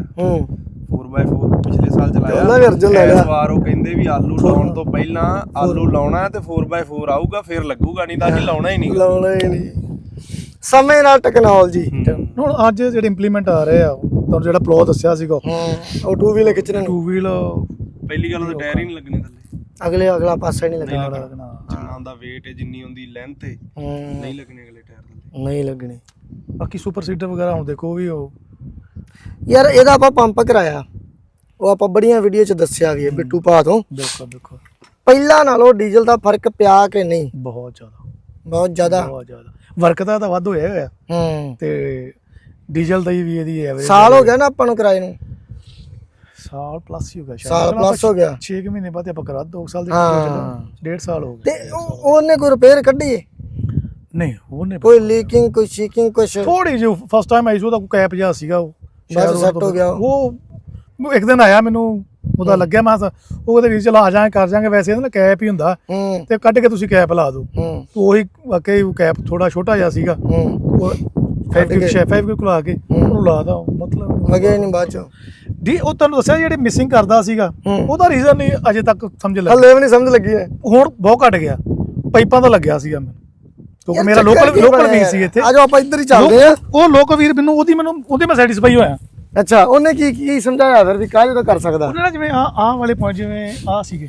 C: 4x4 ਪਿਛਲੇ ਸਾਲ ਚਲਾਇਆ। ਇਸ ਵਾਰ ਉਹ ਕਹਿੰਦੇ ਵੀ ਆਲੂ ਲਾਉਣ ਤੋਂ ਪਹਿਲਾਂ ਆਲੂ ਲਾਉਣਾ ਤੇ 4x4 ਆਊਗਾ ਫਿਰ ਲੱਗੂਗਾ, ਨਹੀਂ ਤਾਂ ਅਸੀਂ ਲਾਉਣਾ ਹੀ ਨਹੀਂ।
A: ਸਮੇਂ ਨਾਲ ਟੈਕਨੋਲੋਜੀ।
B: ਹੁਣ ਅੱਜ ਜਿਹੜੇ ਇੰਪਲੀਮੈਂਟ ਆ ਰਹੇ ਆ, ਤੁਹਾਨੂੰ ਜਿਹੜਾ ਪਲੋ ਦੱਸਿਆ ਸੀਗਾ,
A: ਉਹ 2 ਵੀਲ ਖਿੱਚਣੇ,
B: 2 ਵੀਲ
C: ਪਹਿਲੀ ਗੱਲ ਤਾਂ ਟਾਇਰ ਹੀ ਨਹੀਂ ਲੱਗਣੇ
A: ਅਗਲਾ
C: ਥੱਲੇ,
A: ਪਾਸਾ ਹੀ ਨਹੀਂ ਲੱਗਣਾ,
C: ਜਿੰਨਾ ਦਾ weight ਹੈ ਜਿੰਨੀ ਹੁੰਦੀ ਲੈਂਥ ਹੈ ਨਹੀਂ ਲੱਗਣੇ ਅਗਲੇ ਟਾਇਰ ਥੱਲੇ,
A: ਨਹੀਂ ਲੱਗਣੇ।
B: ਬਾਕੀ ਸੁਪਰ ਸੀਟਰ ਵਗੈਰਾ ਹੁਣ ਦੇਖੋ ਵੀ ਉਹ
A: ਯਾਰ ਇਹਦਾ ਆਪਾਂ ਪੰਪ ਕਰਾਇਆ, ਉਹ ਆਪਾਂ ਬੜੀਆਂ ਵੀਡੀਓ 'ਚ ਦੱਸਿਆ ਵੀ ਹੈ ਬਿੱਟੂ ਭਾ ਤੋਂ।
B: ਦੇਖੋ
A: ਪਹਿਲਾਂ ਨਾਲੋਂ ਡੀਜ਼ਲ ਦਾ ਫਰਕ ਪਿਆ ਕਿ ਨਹੀਂ?
B: ਬਹੁਤ ਜ਼ਿਆਦਾ
A: ਬਹੁਤ ਜ਼ਿਆਦਾ
B: ਵਰਕ ਦਾ ਤਾਂ ਵੱਧ ਹੋਇਆ ਤੇ ਡੀਜ਼ਲ ਦਾ ਵੀ ਇਹਦੀ ਐਵਰੇਜ
A: ਸਾਲ ਹੋ ਗਿਆ ਨਾ ਆਪਾਂ ਨੂੰ ਕਿਰਾਏ ਨੂੰ,
B: ਸਾਲ ਪਲੱਸ ਹੀ ਹੋ ਗਿਆ,
A: ਸਾਲ ਪਲੱਸ ਹੋ ਗਿਆ।
B: 6 ਮਹੀਨੇ ਬਾਅਦ ਆਪਾਂ ਕਰਾ 2 ਸਾਲ ਦੇ 1.5 ਸਾਲ ਹੋ ਗਏ।
A: ਤੇ ਉਹਨੇ ਕੋਈ ਰਿਪੇਅਰ ਕੱਢੀ?
B: ਨਹੀਂ ਉਹਨੇ
A: ਕੋਈ ਲੀਕਿੰਗ, ਕੋਈ ਸ਼ੀਕਿੰਗ, ਕੁਛ
B: ਥੋੜੀ ਜਿਹੀ ਫਸਟ ਟਾਈਮ ਆਈ ਸੀ, ਉਹਦਾ ਕੋਈ ਕੈਪ ਜਿਹਾ ਸੀਗਾ, ਉਹ
A: ਸ਼ਾਇਦ ਸੈੱਟ ਹੋ ਗਿਆ।
B: ਉਹ ਇੱਕ ਦਿਨ ਆਇਆ, ਮੈਨੂੰ ਉਹਦਾ ਲੱਗਿਆ, ਮੈਂ ਉਹ ਕਹਿੰਦੇ ਵੀਰ ਚਲ ਆ ਜਾਏ ਕਰ ਜਾਾਂਗੇ, ਵੈਸੇ ਇਹਦਾ ਕੈਪ ਹੀ ਹੁੰਦਾ ਤੇ ਕੱਢ ਕੇ ਤੁਸੀਂ ਕੈਪ ਲਾ ਦਿਓ। ਉਹੀ ਵਾਕਈ ਕੈਪ ਥੋੜਾ ਛੋਟਾ ਜਿਹਾ ਸੀਗਾ, ਉਹ 5 ਕੋਲ ਆ ਕੇ ਉਹਨੂੰ ਲਾ ਦਾ, ਮਤਲਬ
A: ਲੱਗਿਆ ਨਹੀਂ ਬਾਅਦ ਚੋਂ।
B: ਉਹ ਤੁਹਾਨੂੰ ਦੱਸਿਆ ਜਿਹੜੇ ਮਿਸਿੰਗ ਕਰਦਾ ਸੀਗਾ, ਉਹਦਾ ਰੀਜ਼ਨ ਨਹੀਂ ਅਜੇ ਤੱਕ ਸਮਝ ਲੱਗਿਆ,
A: ਹਲੇ ਵੀ ਨਹੀਂ ਸਮਝ ਲੱਗੀ ਹੈ।
B: ਹੁਣ ਬਹੁਤ ਘਟ ਗਿਆ, ਪਾਈਪਾਂ ਦਾ ਲੱਗਿਆ ਸੀਗਾ ਮੈਨੂੰ, ਕਿਉਂਕਿ ਮੇਰਾ ਲੋਕਲ ਵੀਰ ਸੀ ਇੱਥੇ।
A: ਆਜੋ ਆਪਾਂ ਇੱਧਰ ਹੀ ਚੱਲਦੇ ਆ।
B: ਉਹ ਲੋਕਲ ਵੀਰ ਮੈਨੂੰ ਉਹਦੀ ਮੈਂ ਸੈਟੀਸਫਾਈ ਹੋਇਆ।
A: ਅੱਛਾ, ਉਹਨੇ ਕੀ ਸਮਝਾਇਆ ਫਿਰ ਵੀ ਕਾਹਦੇ ਤੋਂ ਕਰ ਸਕਦਾ?
B: ਉਹਨੇ ਨਾ ਜਿਵੇਂ ਆਹ ਵਾਲੇ ਪੁਆਇੰਟ, ਜਿਵੇਂ ਆਹ ਸੀਗੇ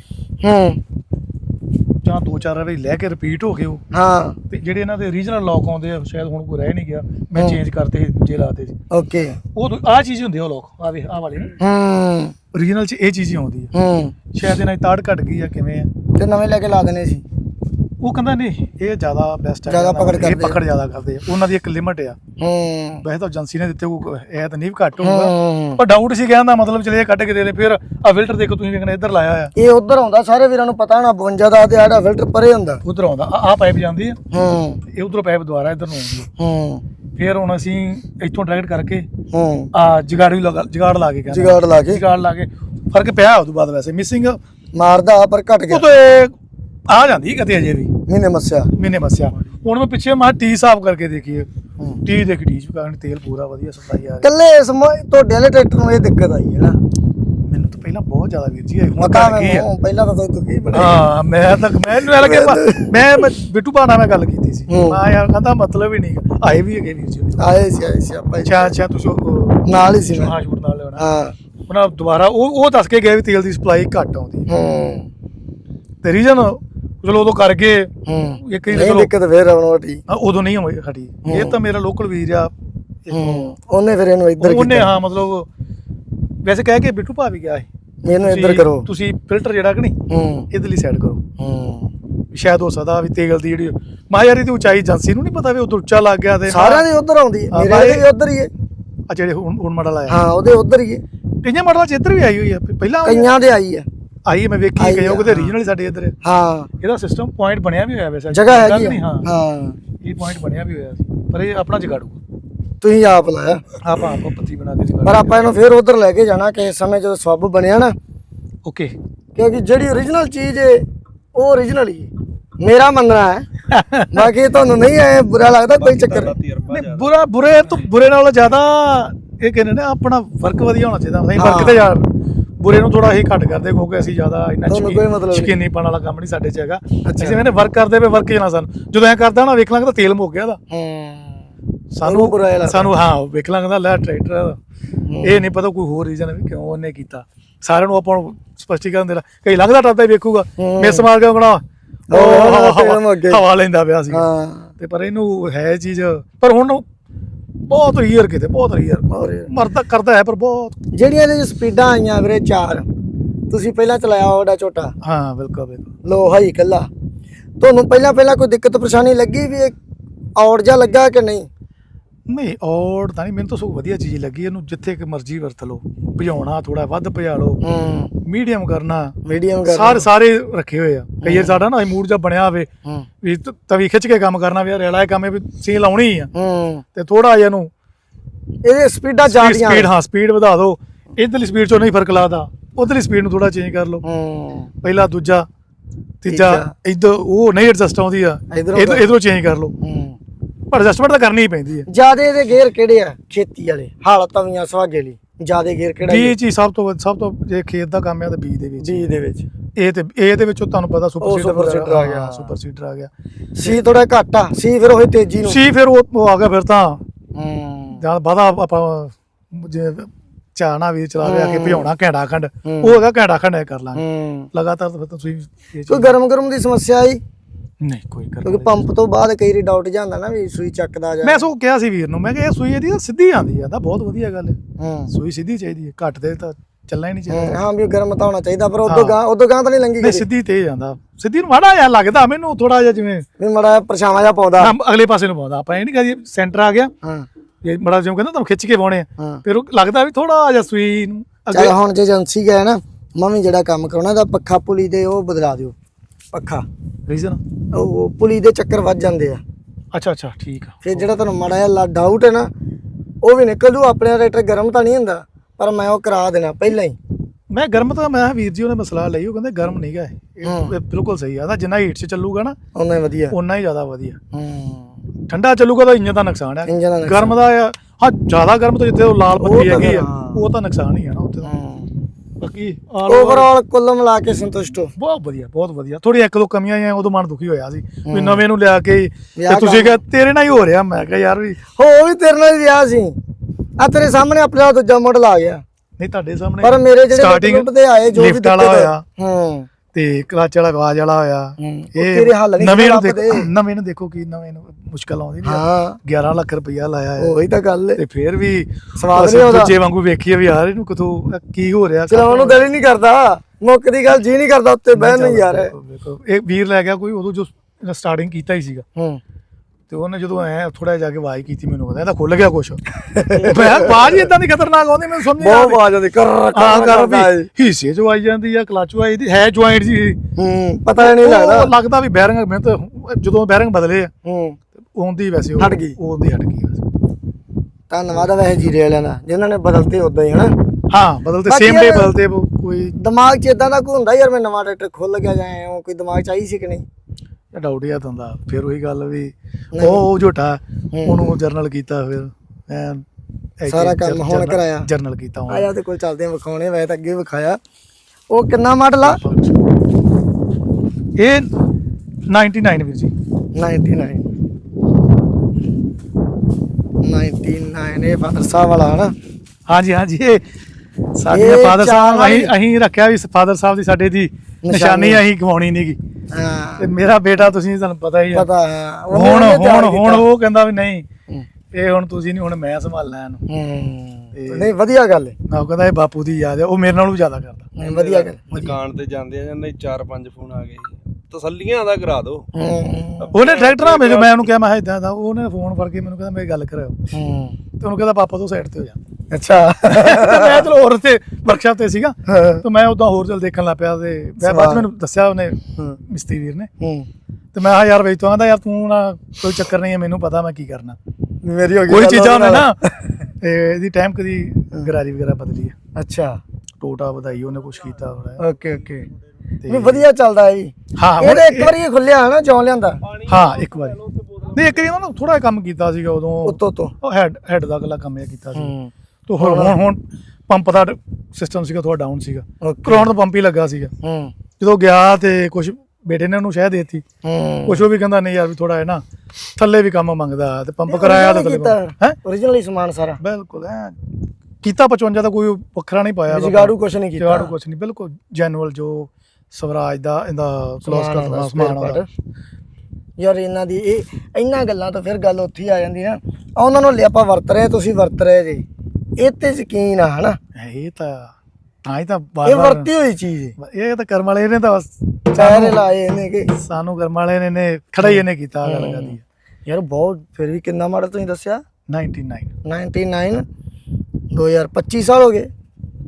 B: ਜਾਂ 2-4 ਵਾਰੀ ਲੈ ਕੇ ਰਿਪੀਟ ਹੋ ਗਏ ਉਹ, ਤੇ ਜਿਹੜੇ ਇਹਨਾਂ ਦੇ ਰੀਜਨਲ ਲੌਕ ਆਉਂਦੇ ਆ, ਸ਼ਾਇਦ ਹੁਣ ਕੋਈ ਰਹਿ ਨਹੀਂ ਗਿਆ, ਮੈਂ ਚੇਂਜ ਕਰਤੇ ਸੀ, ਦੂਜੇ ਲਾਤੇ ਸੀ।
A: ਓਕੇ,
B: ਉਹ ਆਹ ਚੀਜ਼ ਹੁੰਦੀ ਆ, ਉਹ ਲੌਕ ਆਹ ਵਾਲੇ ਰੀਜਨਲ 'ਚ ਇਹ ਚੀਜ਼ ਹੀ ਆਉਂਦੀ ਆ, ਸ਼ਾਇਦ ਇਹਨਾਂ ਦੀ ਤਾੜ ਘਟ ਗਈ ਆ ਕਿਵੇਂ ਆ, ਤੇ
A: ਨਵੇਂ ਲੈ ਕੇ ਲਾ ਦੇਣੇ ਸੀ।
B: ਉਹ ਕਹਿੰਦਾ ਨਹੀਂ ਇਹ ਜ਼ਿਆਦਾ ਬੈਸਟ ਹੈ,
A: ਜ਼ਿਆਦਾ ਪਕੜ
B: ਜ਼ਿਆਦਾ ਕਰਦੇ ਆ, ਉਹਨਾਂ ਦੀ ਇੱਕ ਲਿਮਟ ਆ। ਵੈਸੇ ਤਾਂ ਏਜੰਸੀ ਨੇ ਦਿੱਤੇ, ਇਹ ਤਾਂ ਨਹੀਂ ਘੱਟ ਹੋਊਗਾ, ਪਰ ਡਾਊਟ ਸੀ ਕਹਿੰਦਾ, ਮਤਲਬ ਚਲੇ ਕੱਢ ਕੇ ਦੇ ਦੇ। ਫਿਰ ਆ ਫਿਲਟਰ ਦੇਖੋ ਤੁਸੀਂ, ਵੇਖਣਾ ਇੱਧਰ ਲਾਇਆ ਆ,
A: ਇਹ ਉਧਰ ਆਉਂਦਾ, ਸਾਰੇ ਵੀਰਾਂ ਨੂੰ ਪਤਾ ਹੋਣਾ 52 ਦਾ, ਤੇ ਆੜਾ ਫਿਲਟਰ ਪਰੇ ਹੁੰਦਾ,
B: ਉਧਰ ਆਉਂਦਾ। ਆਹ ਪਾਈਪ ਜਾਂਦੀ ਆ, ਇਹ ਉਧਰੋਂ ਪਾਈਪ ਦੁਆਰਾ ਇੱਧਰ ਨੂੰ ਆਉਂਦੀ ਆ। ਫਿਰ ਹੁਣ ਅਸੀਂ ਇੱਥੋਂ ਡਾਇਰੈਕਟ ਕਰਕੇ ਆ ਜੁਗਾੜ ਲਾ ਕੇ ਜੁਗਾੜ ਲਾ ਕੇ ਫਰਕ ਪਿਆ। ਉਹ ਤੋਂ ਬਾਅਦ ਵੈਸੇ ਮਿਸਿੰਗ
A: ਮਾਰਦਾ, ਪਰ ਘਟ ਗਿਆ,
B: ਆ ਜਾਂਦੀ ਕਦੇ ਅਜੇ ਵੀ
A: ਮਹੀਨੇ ਮੱਸਿਆ।
B: ਹੁਣ ਮੈਂ ਪਿੱਛੇ ਟੀ ਸਾਫ਼ ਕਰਕੇ ਦੇਖੀਏ, ਟੀ ਦੇਖੀ, ਟੀ ਚ ਕਾਰਨ ਤੇਲ ਪੂਰਾ ਵਧੀਆ ਸਪਲਾਈ ਆ।
A: ਕੱਲੇ ਤੁਹਾਡੇ ਵਾਲੇ ਟਰੈਕਟਰ ਨੂੰ ਇਹ ਦਿੱਕਤ ਆਈ ਹੈ ਨਾ?
B: ਮੈਨੂੰ ਤਾਂ ਪਹਿਲਾਂ ਬਹੁਤ ਜ਼ਿਆਦਾ ਵੀਰ ਜੀ,
A: ਪਹਿਲਾਂ ਤਾਂ ਤੂੰ ਕੀ ਬਣਾ।
B: ਹਾਂ, ਮੈਨੂੰ ਲੱਗਿਆ, ਮੈਂ ਬਿੱਟੂ ਭਾਣਾ ਨਾਲ ਗੱਲ ਕੀਤੀ ਸੀ, ਮੈਂ ਯਾਰ ਕਹਿੰਦਾ ਮਤਲਬ ਹੀ ਨਹੀਂ, ਆਏ ਵੀ ਹੈਗੇ ਵੀਰ ਜੀ,
A: ਆਏ ਸੀ ਆਪਾਂ।
B: ਅੱਛਾ ਤੁਸੀਂ
A: ਨਾਲ ਹੀ ਸੀ?
B: ਹਾਂ, ਸ਼ੂਟ ਨਾਲ ਲੈਣਾ। ਉਹਨਾਂ ਦੁਬਾਰਾ ਉਹ ਦੱਸ ਕੇ ਗਏ ਵੀ ਤੇਲ ਦੀ ਸਪਲਾਈ ਘੱਟ ਆਉਂਦੀ ਤੇ ਰੀਜਨ ਚਲੋ ਉਦੋਂ ਕਰਕੇ ਇੱਕ ਹੀ
A: ਦਿੱਕਤ ਫੇਰ ਆਉਣੀ,
B: ਉਦੋਂ ਨਹੀਂ ਹਟੀ। ਇਹ ਤਾਂ ਮੇਰਾ ਲੋਕਲ ਵੀਰ ਆ,
A: ਉਹਨੇ ਫਿਰ ਇਹਨੂੰ ਇੱਧਰ
B: ਉਹਨੇ, ਹਾਂ ਮਤਲਬ ਵੈਸੇ ਕਹਿ ਕੇ ਬਿੱਟੂ ਭਾ ਵੀ ਗਿਆ ਸੀ,
A: ਮੈਨੂੰ ਇੱਧਰ ਕਰੋ,
B: ਤੁਸੀਂ ਫਿਲਟਰ ਜਿਹੜਾ ਕਿ ਨਹੀਂ ਇਧਰਲੀ ਸਾਈਡ ਕਰੋ, ਸ਼ਾਇਦ ਹੋ ਸਕਦਾ ਵੀ ਤੇਲ ਦੀ ਜਿਹੜੀ ਮਾਇਆਰੀ ਦੀ ਉਚਾਈ ਏਜੰਸੀ ਨੂੰ ਨਹੀਂ ਪਤਾ ਵੀ ਉਧਰ ਉੱਚਾ ਲੱਗ ਗਿਆ, ਤੇ
A: ਸਾਰਿਆਂ ਦੀ ਉਧਰ ਆਉਂਦੀ ਹੈ, ਮੇਰੇ ਵੀ ਉਧਰ ਹੀ ਹੈ।
B: ਆ ਜਿਹੜੇ ਹੁਣ ਮਾਡਲ ਆਇਆ,
A: ਹਾਂ ਉਹਦੇ ਉਧਰ ਹੀ ਹੈ।
B: ਕਈਆਂ ਮਾਡਲਾਂ 'ਚ ਇੱਧਰ ਵੀ ਆਈ ਹੋਈ ਆ, ਪਹਿਲਾਂ
A: ਕਈਆਂ ਦੇ ਆਈ ਹੈ,
B: ਮੈਂ ਵੇਖੀ ਗਈ, ਉਹ ਕਿਤੇ ਰੀਜਨਲ ਸਾਡੇ ਇੱਧਰ।
A: ਹਾਂ,
B: ਇਹਦਾ ਸਿਸਟਮ ਪੁਆਇੰਟ ਬਣਿਆ ਵੀ ਹੋਇਆ, ਵੈਸੇ
A: ਜਗ੍ਹਾ ਹੈਗੀ ਹੈ।
B: ਹਾਂ, ਇਹ ਪੁਆਇੰਟ ਬਣਿਆ ਵੀ ਹੋਇਆ ਸੀ, ਪਰ ਇਹ ਆਪਣਾ ਜਗਾੜੂ
A: ਤੁਸੀਂ ਆਪ ਲਾਇਆ,
B: ਆਪਾਂ ਪੱਤੀ ਬਣਾ ਕੇ।
A: ਪਰ ਆਪਾਂ ਇਹਨੂੰ ਫੇਰ ਉਧਰ ਲੈ ਕੇ ਜਾਣਾ ਕਿਸੇ ਸਮੇਂ, ਜਦੋਂ ਸਵੱਬ ਬਣਿਆ ਨਾ,
B: ਓਕੇ
A: ਕਿਉਂਕਿ ਜਿਹੜੀ ਓਰੀਜਨਲ ਚੀਜ਼ ਹੈ ਉਹ ਓਰੀਜਨਲ ਹੀ ਹੈ, ਮੇਰਾ ਮੰਨਣਾ ਹੈ। ਬਾਕੀ ਤੁਹਾਨੂੰ ਨਹੀਂ ਐ ਬੁਰਾ ਲੱਗਦਾ ਕੋਈ ਚੱਕਰ ਨਹੀਂ।
B: ਨਹੀਂ ਬੁਰੇ ਤੋਂ ਬੁਰੇ ਨਾਲੋਂ ਜ਼ਿਆਦਾ ਇਹ ਕਹਿੰਦੇ ਨੇ ਆਪਣਾ ਵਰਕ ਵਧੀਆ ਹੋਣਾ ਚਾਹੀਦਾ। ਨਹੀਂ ਵਰਕ ਤੇ ਯਾਰ ਬੁਰੇ ਨੂੰ ਥੋੜਾ ਹੀ ਘੱਟ ਕਰਦੇ ਕਿਉਂਕਿ ਅਸੀਂ ਜ਼ਿਆਦਾ ਇੰਨਾ ਸ਼ਕੀਨੀ ਪਾਣ ਵਾਲਾ ਕੰਮ ਨਹੀਂ ਸਾਡੇ 'ਚ ਹੈਗਾ। ਅਸੀਂ ਕਹਿੰਦੇ ਵਰਕ ਕਰਦੇ ਪਏ ਵਰਕ ਨਾ ਸਾਨੂੰ ਜਦੋਂ ਐ ਕਰਦਾ ਨਾ ਵੇਖ ਲਾਂਗੇ ਤਾਂ ਤੇਲ ਮੁੱਕ ਗਿਆ ਦਾ ਸਾਨੂੰ ਹਾਂ ਵੇਖ ਲਾਂਗੇ ਦਾ ਲੈ ਟਰੈਕਟਰ ਇਹ ਨਹੀਂ ਪਤਾ ਕੋਈ ਹੋਰ ਰੀਜ਼ਨ ਵੀ ਕਿਉਂ ਉਹਨੇ ਕੀਤਾ। ਸਾਰਿਆਂ ਨੂੰ ਆਪਾਂ ਨੂੰ ਸਪਸ਼ਟੀਕਰਨ ਦੇਣਾ ਕਈ ਲੱਗਦਾ ਟੱਪਦਾ ਹੀ ਵੇਖੂਗਾ ਮਿਸ ਮਾਰ ਕੇ ਬਣਾ ਹਵਾ ਲੈਂਦਾ ਪਿਆ ਸੀ ਤੇ ਪਰ ਇਹਨੂੰ ਹੈ ਚੀਜ਼ ਪਰ ਹੁਣ ਬਹੁਤ ਰੀਅਰ ਕਿਤੇ ਬਹੁਤ ਰੀਅਰ ਮਰਦਾ ਕਰਦਾ ਹੈ ਪਰ ਬਹੁਤ
A: ਜਿਹੜੀਆਂ ਇਹਦੇ ਸਪੀਡਾਂ ਆਈਆਂ ਵੀਰੇ 4 ਤੁਸੀਂ ਪਹਿਲਾਂ ਚਲਾਇਆ ਉਹਦਾ ਛੋਟਾ
B: ਹਾਂ ਬਿਲਕੁਲ
A: ਲੋ ਹਾਈ ਕੱਲਾ ਤੁਹਾਨੂੰ ਪਹਿਲਾਂ ਕੋਈ ਦਿੱਕਤ ਪਰੇਸ਼ਾਨੀ ਲੱਗੀ ਵੀ ਇਹ ਔੜ ਜਾ ਲੱਗਾ ਕਿ ਨਹੀਂ?
B: ਨਹੀਂ ਔੜ ਤਾਂ ਨਹੀਂ ਮੈਨੂੰ ਤਾਂ ਸਭ ਵਧੀਆ ਚੀਜ਼ ਲੱਗੀ ਇਹਨੂੰ ਜਿੱਥੇ ਕਿ ਮਰਜ਼ੀ ਵਰਤ ਲਓ ਭਜਾਉਣਾ ਥੋੜਾ ਵੱਧ ਭਜਾ ਲਓ ਮੀਡੀਅਮ ਕਰਨਾ ਸਾਰੇ ਰੱਖੇ ਹੋਏ ਆ ਕਈ ਵਾਰ ਸਾਡਾ ਨਾ ਮੂਡ ਜਿਹਾ ਬਣਿਆ ਹੋਵੇ ਵੀ ਤਵੀ ਖਿੱਚ ਕੇ ਕੰਮ ਕਰਨਾ ਵੀ ਰੇਲਾ ਕੰਮ ਹੈ ਵੀ ਸੀਲ ਲਾਉਣੀ ਆ ਤੇ ਥੋੜਾ ਜਿਹਾ ਇਹਨੂੰ
A: ਇਹਦੇ ਸਪੀਡਾਂ ਜ਼ਿਆਦੀਆਂ
B: ਸਪੀਡ ਹਾਂ ਸਪੀਡ ਵਧਾ ਦਿਓ ਇਧਰਲੀ ਸਪੀਡ ਚੋਂ ਨਹੀਂ ਫਰਕ ਲੱਗਦਾ ਉਧਰਲੀ ਸਪੀਡ ਨੂੰ ਥੋੜਾ ਚੇਂਜ ਕਰ ਲਓ ਪਹਿਲਾ ਦੂਜਾ ਤੀਜਾ ਇੱਧਰ ਉਹ ਨਹੀਂ ਐਡਜਸਟ ਆਉਂਦੀ ਆ ਇਧਰੋਂ ਚੇਂਜ ਕਰ ਲਓ ਪਰ ਐਡਜਸਟਮੈਂਟ ਤਾਂ ਕਰਨੀ ਹੀ ਪੈਂਦੀ ਹੈ। ਜਿਆਦਾ
A: ਇਹਦੇ ਗੇਅਰ ਕਿਹੜੇ ਆ ਖੇਤੀ ਵਾਲੇ ਹਲ ਤਵੀਆਂ ਸੁਹਾਗੇ ਲਈ ਜਿਆਦਾ ਗੇਅਰ ਕਿਹੜਾ?
B: ਬੀਜ ਹੀ ਸਭ ਤੋਂ ਜੇ ਖੇਤ ਦਾ ਕੰਮ ਹੈ ਤਾਂ ਬੀਜ ਦੇ ਵਿੱਚ ਇਹ ਦੇ ਵਿੱਚੋਂ ਤੁਹਾਨੂੰ ਪਤਾ ਸੁਪਰ ਸੀਡਰ ਆ ਗਿਆ
A: ਸੀ ਥੋੜਾ ਘੱਟ ਆ ਸੀ ਫਿਰ ਉਹ ਤੇਜ਼ੀ ਨੂੰ
B: ਸੀ ਫਿਰ ਉਹ ਆ ਗਿਆ ਫਿਰ ਤਾਂ ਜਦ ਵਾਦਾ ਆਪਾਂ ਜੇ ਚਾਹਣਾ ਵੀ ਚਲਾ ਲਿਆ ਕੇ ਭਜਾਉਣਾ ਘੈਂਡਾ ਖੰਡ ਉਹ ਹੈਗਾ ਘੈਂਡਾ ਖੰਡ ਕਰ ਲਾਂਗੇ ਲਗਾਤਾਰ ਫਿਰ ਤੁਸੀਂ
A: ਕੋਈ ਗਰਮ ਦੀ ਸਮੱਸਿਆ ਆਈ
B: ਨਹੀਂ ਕੋਈ ਕਰ
A: ਕਿਉਂਕਿ ਪੰਪ ਤੋਂ ਬਾਅਦ ਕਈ ਵਾਰੀ ਡਾਊਟ ਜਾਂਦਾ ਨਾ ਵੀ ਸੂਈ ਚੱਕਦਾ ਜਾਂ
B: ਮੈਂ ਸੋ ਕਿਹਾ ਸੀ ਵੀਰ ਨੂੰ ਮੈਂ ਕਿਹਾ ਇਹ ਸੂਈ ਇਹਦੀ ਸਿੱਧੀ ਆਉਂਦੀ ਆ ਤਾਂ ਬਹੁਤ ਵਧੀਆ ਗੱਲ ਹੈ ਸੂਈ ਸਿੱਧੀ ਚਾਹੀਦੀ ਹੈ ਘੱਟ ਦੇ ਤਾਂ ਚੱਲਣਾ ਹੀ ਨਹੀਂ ਚਾਹੀਦਾ
A: ਹਾਂ ਵੀ ਗਰਮ ਤਾਂ ਹੋਣਾ ਚਾਹੀਦਾ ਪਰ ਉਦੋਂ ਗਾਂ ਤਾਂ ਨਹੀਂ ਲੰਗੀ
B: ਨਹੀਂ ਸਿੱਧੀ ਤੇ ਜਾਂਦਾ ਸਿੱਧੀ ਨੂੰ ਮਾੜਾ ਜਿਹਾ ਲੱਗਦਾ ਮੈਨੂੰ ਥੋੜਾ ਜਿਹਾ ਜਿਵੇਂ
A: ਵੀ ਮਾੜਾ ਪਰਛਾਵਾਂ ਜਿਹਾ ਪਾਉਂਦਾ
B: ਅਗਲੇ ਪਾਸੇ ਨੂੰ ਪਾਉਂਦਾ ਆਪਾਂ ਇਹ ਨਹੀਂ ਕਹਦੇ ਸੈਂਟਰ ਆ ਗਿਆ ਇਹ ਬੜਾ ਜਿਵੇਂ ਕਹਿੰਦਾ ਤੁਹਾਨੂੰ ਖਿੱਚ ਕੇ ਪਾਉਣੇ ਆ ਫਿਰ ਉਹ ਲੱਗਦਾ ਵੀ ਥੋੜਾ ਜਿਹਾ ਸੂਈ ਨੂੰ
A: ਚੱਲ ਹੁਣ ਜੇ ਏਜੰਸੀ ਗਏ ਨਾ ਮੰਮੀ ਜਿਹੜਾ ਕੰਮ ਕਰਾਉਣਾ ਦਾ ਪੱਖਾ ਪੁਲੀ ਦੇ ਉਹ ਬਦਲਾ ਦਿਓ ਪੱਖਾ
B: ਰੀਜ਼ਨ
A: ਉਹ ਪੁਲੀ ਦੇ ਚੱਕਰ ਵੱਜ ਜਾਂਦੇ ਆ
B: ਅੱਛਾ ਠੀਕ ਆ
A: ਫਿਰ ਜਿਹੜਾ ਤੁਹਾਨੂੰ ਮਾੜਾ ਜਿਹਾ ਡਾਊਟ ਹੈ ਨਾ ਉਹ ਵੀ ਨਿਕਲ ਜੂ ਆਪਣੇ ਟਰੈਕਟਰ ਗਰਮ ਤਾਂ ਨਹੀਂ ਹੁੰਦਾ ਪਰ ਮੈਂ ਉਹ ਕਰਾ ਦੇਣਾ ਪਹਿਲਾਂ ਹੀ
B: ਮੈਂ ਗਰਮ ਤਾਂ ਮੈਂ ਵੀਰ ਜੀ ਉਹਨੇ ਮਸਲਾ ਲਈ ਉਹ ਕਹਿੰਦੇ ਗਰਮ ਨਹੀਂ ਗਾ ਇਹ ਬਿਲਕੁਲ ਸਹੀ ਆ ਜਿੰਨਾ ਹੀਟ 'ਚ ਚੱਲੂਗਾ ਨਾ
A: ਓਨਾ ਹੀ ਵਧੀਆ
B: ਓਨਾ ਹੀ ਜ਼ਿਆਦਾ ਵਧੀਆ ਠੰਡਾ ਚੱਲੂਗਾ ਤਾਂ ਇੰਜਨ ਦਾ ਨੁਕਸਾਨ ਹੈ ਗਰਮ ਦਾ ਹਾਂ ਜ਼ਿਆਦਾ ਗਰਮ ਤਾਂ ਜਿੱਥੇ ਉਹ ਲਾਲ ਪੱਤੀ ਹੈਗੀ ਆ ਉਹ ਤਾਂ ਨੁਕਸਾਨ ਹੀ ਆ ਨਾ ਉੱਥੇ ਤਾਂ ਬਾਕੀ
A: ਓਵਰਆਲ ਕੁੱਲ ਮਿਲਾ ਕੇ ਸੰਤੁਸ਼ਟ ਹੋ
B: ਬਹੁਤ ਵਧੀਆ ਥੋੜੀ ਇੱਕ ਦੋ ਕਮੀਆਂ ਆਈਆਂ ਉਦੋਂ ਮਨ ਦੁਖੀ ਹੋਇਆ ਸੀ ਵੀ ਨਵੇਂ ਨੂੰ ਲਿਆ ਕੇ ਤੇ ਤੁਸੀਂ ਕਿਹਾ ਤੇਰੇ ਨਾਲ ਹੀ ਹੋ ਰਿਹਾ ਮੈਂ ਕਿਹਾ ਯਾਰ ਵੀ
A: ਵੀ ਤੇਰੇ ਨਾਲ ਹੀ ਰਿਹਾ ਸੀ ਆ ਤੇਰੇ ਸਾਹਮਣੇ ਆਪਣਾ ਦੂਜਾ ਮਾਡਲ ਆ ਗਿਆ
B: ਨਹੀਂ ਤੁਹਾਡੇ ਸਾਹਮਣੇ
A: ਪਰ ਮੇਰੇ ਜਿਹੜੇ ਸਟਾਰਟਿੰਗ ਦੇ ਆਏ ਜੋ ਵੀ
B: ਲਿਫਟ ਵਾਲਾ ਹੋਇਆ ਤੇ ਕਲਚ ਵਾਲਾ ਆਵਾਜ਼ ਵਾਲਾ ਹੋਇਆ
A: ਤੇਰੇ ਹੱਲ ਨਹੀਂ
B: ਨਵੇਂ ਨੂੰ ਦੇਖੋ ਕੀ ਨਵੇਂ ਨੂੰ ਮੁਸ਼ਕਲ ਆਉਂਦੀ ਨਹੀਂ 11 ਲੱਖ ਰੁਪਇਆ ਲਾਇਆ
A: ਉਹੀ ਤਾਂ ਗੱਲ ਹੈ
B: ਤੇ ਫੇਰ ਵੀ
A: ਸਵਾਦ ਨਹੀਂ ਆਉਂਦਾ
B: ਦੂਜੇ ਵਾਂਗੂ ਵੇਖੀਏ ਵੀ ਯਾਰ ਇਹਨੂੰ ਕਿਥੋਂ ਕੀ ਹੋ ਰਿਹਾ
A: ਚਲਾਉਣ ਨੂੰ ਦਿਲ ਹੀ ਨਹੀਂ ਕਰਦਾ ਮੁੱਕ ਦੀ ਗੱਲ ਜੀ ਨਹੀਂ ਕਰਦਾ ਉੱਤੇ ਬਹਿਣ ਨੂੰ ਯਾਰ
B: ਇਹ ਵੀਰ ਲੈ ਗਿਆ ਕੋਈ ਉਦੋਂ ਜੋ ਸਟਾਰਟਿੰਗ ਕੀਤਾ ਹੀ ਸੀਗਾ ਤੇ ਉਹਨੇ ਜਦੋਂ ਐ ਥੋੜਾ ਜਾ ਕੇ ਆਵਾਜ਼ ਕੀਤੀ ਮੈਨੂੰ ਪਤਾ ਇਹਦਾ ਖੁੱਲ ਗਿਆ ਕੁਛ ਮੈਂ ਆਵਾਜ਼ ਹੀ ਇਦਾਂ ਦੀ ਖਤਰਨਾਕ ਆਉਂਦੀ ਮੈਨੂੰ ਸਮਝ ਨਹੀਂ
A: ਬਹੁਤ ਆਵਾਜ਼ ਆਉਂਦੀ ਕਰ
B: ਹਿੱਸੇ ਚੋਂ ਆਈ ਜਾਂਦੀ ਆ ਕਲਚ ਆਈ ਦੀ ਹੈ ਜੁਆਇੰਟ ਜੀ
A: ਪਤਾ ਨਹੀਂ
B: ਲੱਗਦਾ ਵੀ ਬੈਰਿੰਗ ਮੈਂ ਤਾਂ ਜਦੋਂ ਬੈਰਿੰਗ ਬਦਲੇ ਆ ਆਉਂਦੀ ਵੈਸੇ
A: ਹਟ ਗਈ
B: ਵੈਸੇ
A: ਧੰਨਵਾਦ ਵੈਸੇ ਜੀਰੇ ਵਾਲਿਆਂ ਦਾ ਜਿਨ੍ਹਾਂ ਨੇ ਬਦਲਤੇ ਉਦਾਂ ਹੀ ਹਨਾ
B: ਹਾਂ ਬਦਲਤੇ ਸੇਮ ਡੇ ਬਦਲਤੇ ਕੋਈ
A: ਦਿਮਾਗ 'ਚ ਇਦਾਂ ਦਾ ਕੋਈ ਹੁੰਦਾ ਯਾਰ ਮੈਂ ਨਵਾਂ ਟਰੈਕਟਰ ਖੁੱਲ ਗਿਆ ਜਾਂ ਐਂ ਕੋਈ ਦਿਮਾਗ 'ਚ ਆਈ ਸੀ ਕਿ ਨਹੀਂ
B: ਡਾਊਟ ਹੀ ਹੁੰਦਾ ਫਿਰ ਉਹੀ ਗੱਲ ਵੀ ਉਹ ਝੋਟਾ ਉਹਨੂੰ ਜਰਨਲ ਕੀਤਾ ਫਿਰ
A: ਸਾਰਾ ਕੰਮ ਹੁਣ ਕਰਾਇਆ
B: ਜਰਨਲ ਕੀਤਾ
A: ਆਇਆ ਤੇ ਕੋਲ ਚੱਲਦੇ ਆ ਵਿਖਾਉਣੇ ਵੈਸੇ ਤਾਂ ਅੱਗੇ ਵਿਖਾਇਆ ਉਹ ਕਿੰਨਾ ਮਾਡਲ ਆ
B: ਇਹ 99 ਵੀਰ ਜੀ
A: 99 ਇਹ ਫਾਦਰ ਸਾਹਿਬ ਵਾਲਾ ਹਨਾ
B: ਹਾਂਜੀ ਇਹ ਸਾਡੇ ਫਾਦਰ ਸਾਹਿਬ ਅਸੀਂ ਰੱਖਿਆ ਵੀ ਫਾਦਰ ਸਾਹਿਬ ਦੀ ਸਾਡੇ ਦੀ ਨਿਸ਼ਾਨੀ ਅਸੀਂ ਗਵਾਉਣੀ ਨਹੀਂਗੀ ਤੇ ਮੇਰਾ ਬੇਟਾ ਤੁਸੀਂ ਤੁਹਾਨੂੰ ਪਤਾ ਹੀ ਆ ਹੁਣ ਉਹ ਕਹਿੰਦਾ ਵੀ ਨਹੀਂ ਇਹ ਹੁਣ ਤੁਸੀਂ ਨਹੀਂ ਹੁਣ ਮੈਂ ਸੰਭਾਲਣਾ ਇਹਨੂੰ
A: ਨਹੀਂ ਵਧੀਆ ਗੱਲ ਹੈ
B: ਉਹ ਕਹਿੰਦਾ ਇਹ ਬਾਪੂ ਦੀ ਯਾਦ ਹੈ ਉਹ ਮੇਰੇ ਨਾਲੋਂ ਵੀ ਜ਼ਿਆਦਾ ਕਰਦਾ
A: ਵਧੀਆ ਗੱਲ
C: ਦੁਕਾਨ ਤੇ ਜਾਂਦੇ ਆ ਜਾਂਦੇ 4-5 ਫੋਨ ਆ ਗਏ ਤਸੱਲੀਆਂ ਦਾ ਕਰਾ ਦੋ
B: ਉਹਨੇ ਟਰੈਕਟਰਾਂ ਵਿੱਚ ਮੈਂ ਉਹਨੂੰ ਕਿਹਾ ਮੈਂ ਇਦਾਂ ਦਾ ਉਹਨੇ ਫੋਨ ਫੜ ਕੇ ਮੈਨੂੰ ਕਹਿੰਦਾ ਮੇਰੀ ਗੱਲ ਕਰਾਓ ਤੇ ਉਹਨੂੰ ਕਹਿੰਦਾ ਪਾਪਾ ਤੂੰ ਸਾਈਡ ਤੇ ਹੋ ਜਾ
A: ਅੱਛਾ
B: ਮੈਂ ਚਲੋ ਹੋਰ ਤੇ ਵਰਕਸ਼ਾਪ ਤੇ ਸੀਗਾ ਤੇ ਮੈਂ ਉਦਾਂ ਹੋਰ ਚਲ ਦੇਖਣ ਲੱਗ ਪਿਆ ਤੇ ਮੈਂ ਬਾਅਦ ਮੈਨੂੰ ਦੱਸਿਆ ਉਹਨੇ ਮਿਸਤਰੀ ਵੀਰ ਨੇ ਤੇ ਮੈਂ ਯਾਰ ਵੇਚ ਤੂੰ ਆਂਦਾ ਯਾਰ ਤੂੰ ਨਾ ਕੋਈ ਚੱਕਰ ਨਹੀਂ ਹੈ ਮੈਨੂੰ ਪਤਾ ਮੈਂ ਕੀ ਕਰਨਾ
A: ਮੇਰੀ ਹੋ ਗਈ
B: ਕੋਈ ਚੀਜ਼ਾਂ ਨੇ ਨਾ ਤੇ ਇਹਦੀ ਟਾਈਮ ਕਦੀ ਗਰਾਰੀ ਵਗੈਰਾ ਬਦਲੀ ਹੈ
A: ਅੱਛਾ
B: ਟੋਟਾ ਵਧਾਈ ਉਹਨੇ ਕੁਝ ਕੀਤਾ ਹੋਣਾ।
A: ਓਕੇ ਵੀ ਵਧੀਆ ਚੱਲਦਾ ਹੈ ਜੀ।
B: ਹਾਂ
A: ਇਹ ਤਾਂ ਇੱਕ ਵਾਰੀ ਹੀ ਖੁੱਲਿਆ ਹਨਾ, ਜੌਂ ਲਿਆਂਦਾ।
B: ਹਾਂ ਇੱਕ ਵਾਰੀ ਨਹੀਂ, ਇੱਕ ਵਾਰੀ ਉਹਨਾਂ ਥੋੜਾ ਜਿਹਾ ਕੰਮ ਕੀਤਾ ਸੀਗਾ ਉਦੋਂ,
A: ਉੱਤੋਂ
B: ਉਹ ਹੈਡ ਦਾ ਇਕੱਲਾ ਕੰਮ ਇਹ ਕੀਤਾ ਸੀ। ਤੇ ਹੁਣ ਪੰਪ ਦਾ ਸਿਸਟਮ ਸੀਗਾ ਥੋੜਾ ਡਾਊਨ ਸੀਗਾ, ਕਰਾਉਣ ਦਾ ਪੰਪ ਹੀ ਲੱਗਾ ਸੀਗਾ। ਜਦੋਂ ਗਿਆ ਤੇ ਕੁਝ ਬੇਟੇ ਨੇ ਉਹਨੂੰ ਸ਼ਹਿ ਦੇਤੀ, ਕੁਝ ਉਹ ਵੀ ਕਹਿੰਦਾ ਨਹੀਂ ਯਾਰ ਵੀ ਥੋੜਾ ਹੈ ਨਾ ਥੱਲੇ ਵੀ ਕੰਮ ਮੰਗਦਾ, ਤੇ ਪੰਪ ਕਰਾਇਆ ਤੇ
A: ਹੈ ਓਰੀਜਨਲ ਹੀ ਸਮਾਨ ਸਾਰਾ
B: ਬਿਲਕੁਲ ਕੀਤਾ। 55 ਦਾ ਕੋਈ ਵੱਖਰਾ ਨਹੀਂ ਪਾਇਆ,
A: ਜਗਾੜੂ ਕੁਛ ਨਹੀਂ ਕੀਤਾ,
B: ਜਗਾੜੂ ਕੁਛ ਨਹੀਂ, ਬਿਲਕੁਲ ਜੈਨੂਅਲ ਜੋ ਸਵਰਾਜ ਦਾ ਇਹਦਾ ਕਲੋਸ ਕਰਦਾ ਸਮਾਨ ਆਉਂਦਾ
A: ਯਾਰ। ਇਹਨਾਂ ਦੀ ਇਹਨਾਂ ਗੱਲਾਂ ਤੋਂ ਫਿਰ ਗੱਲ ਉੱਥੇ ਆ ਜਾਂਦੀ ਨਾ, ਉਹਨਾਂ ਨੂੰ ਆਪਾਂ ਵਰਤ ਰਹੇ, ਤੁਸੀਂ ਵਰਤ ਰਹੇ ਜੀ, ਇਹ ਤੇ ਯਕੀਨ ਆ ਹਨਾ।
B: ਇਹ ਤਾਂ ਹੀ ਤਾਂ
A: ਇਹ ਵਰਤੀ ਹੋਈ ਚੀਜ਼ ਹੈ,
B: ਇਹ ਤਾਂ ਕਰਮ ਵਾਲੇ ਨੇ ਤਾਂ
A: ਪੈਰੇ ਲਾਏ ਇਹਨੇ ਕਿ
B: ਸਾਨੂੰ ਕਰਮ ਵਾਲੇ ਨੇ ਖੜਾ ਹੀ ਇਹਨੇ ਕੀਤਾ ਗੱਲ ਕਰਦੀ
A: ਯਾਰ। ਬਹੁਤ ਫਿਰ ਵੀ ਕਿੰਨਾ ਮਾਡਲ ਤੁਸੀਂ ਦੱਸਿਆ?
B: 99
A: 2025 ਸਾਲ ਹੋ ਗਏ,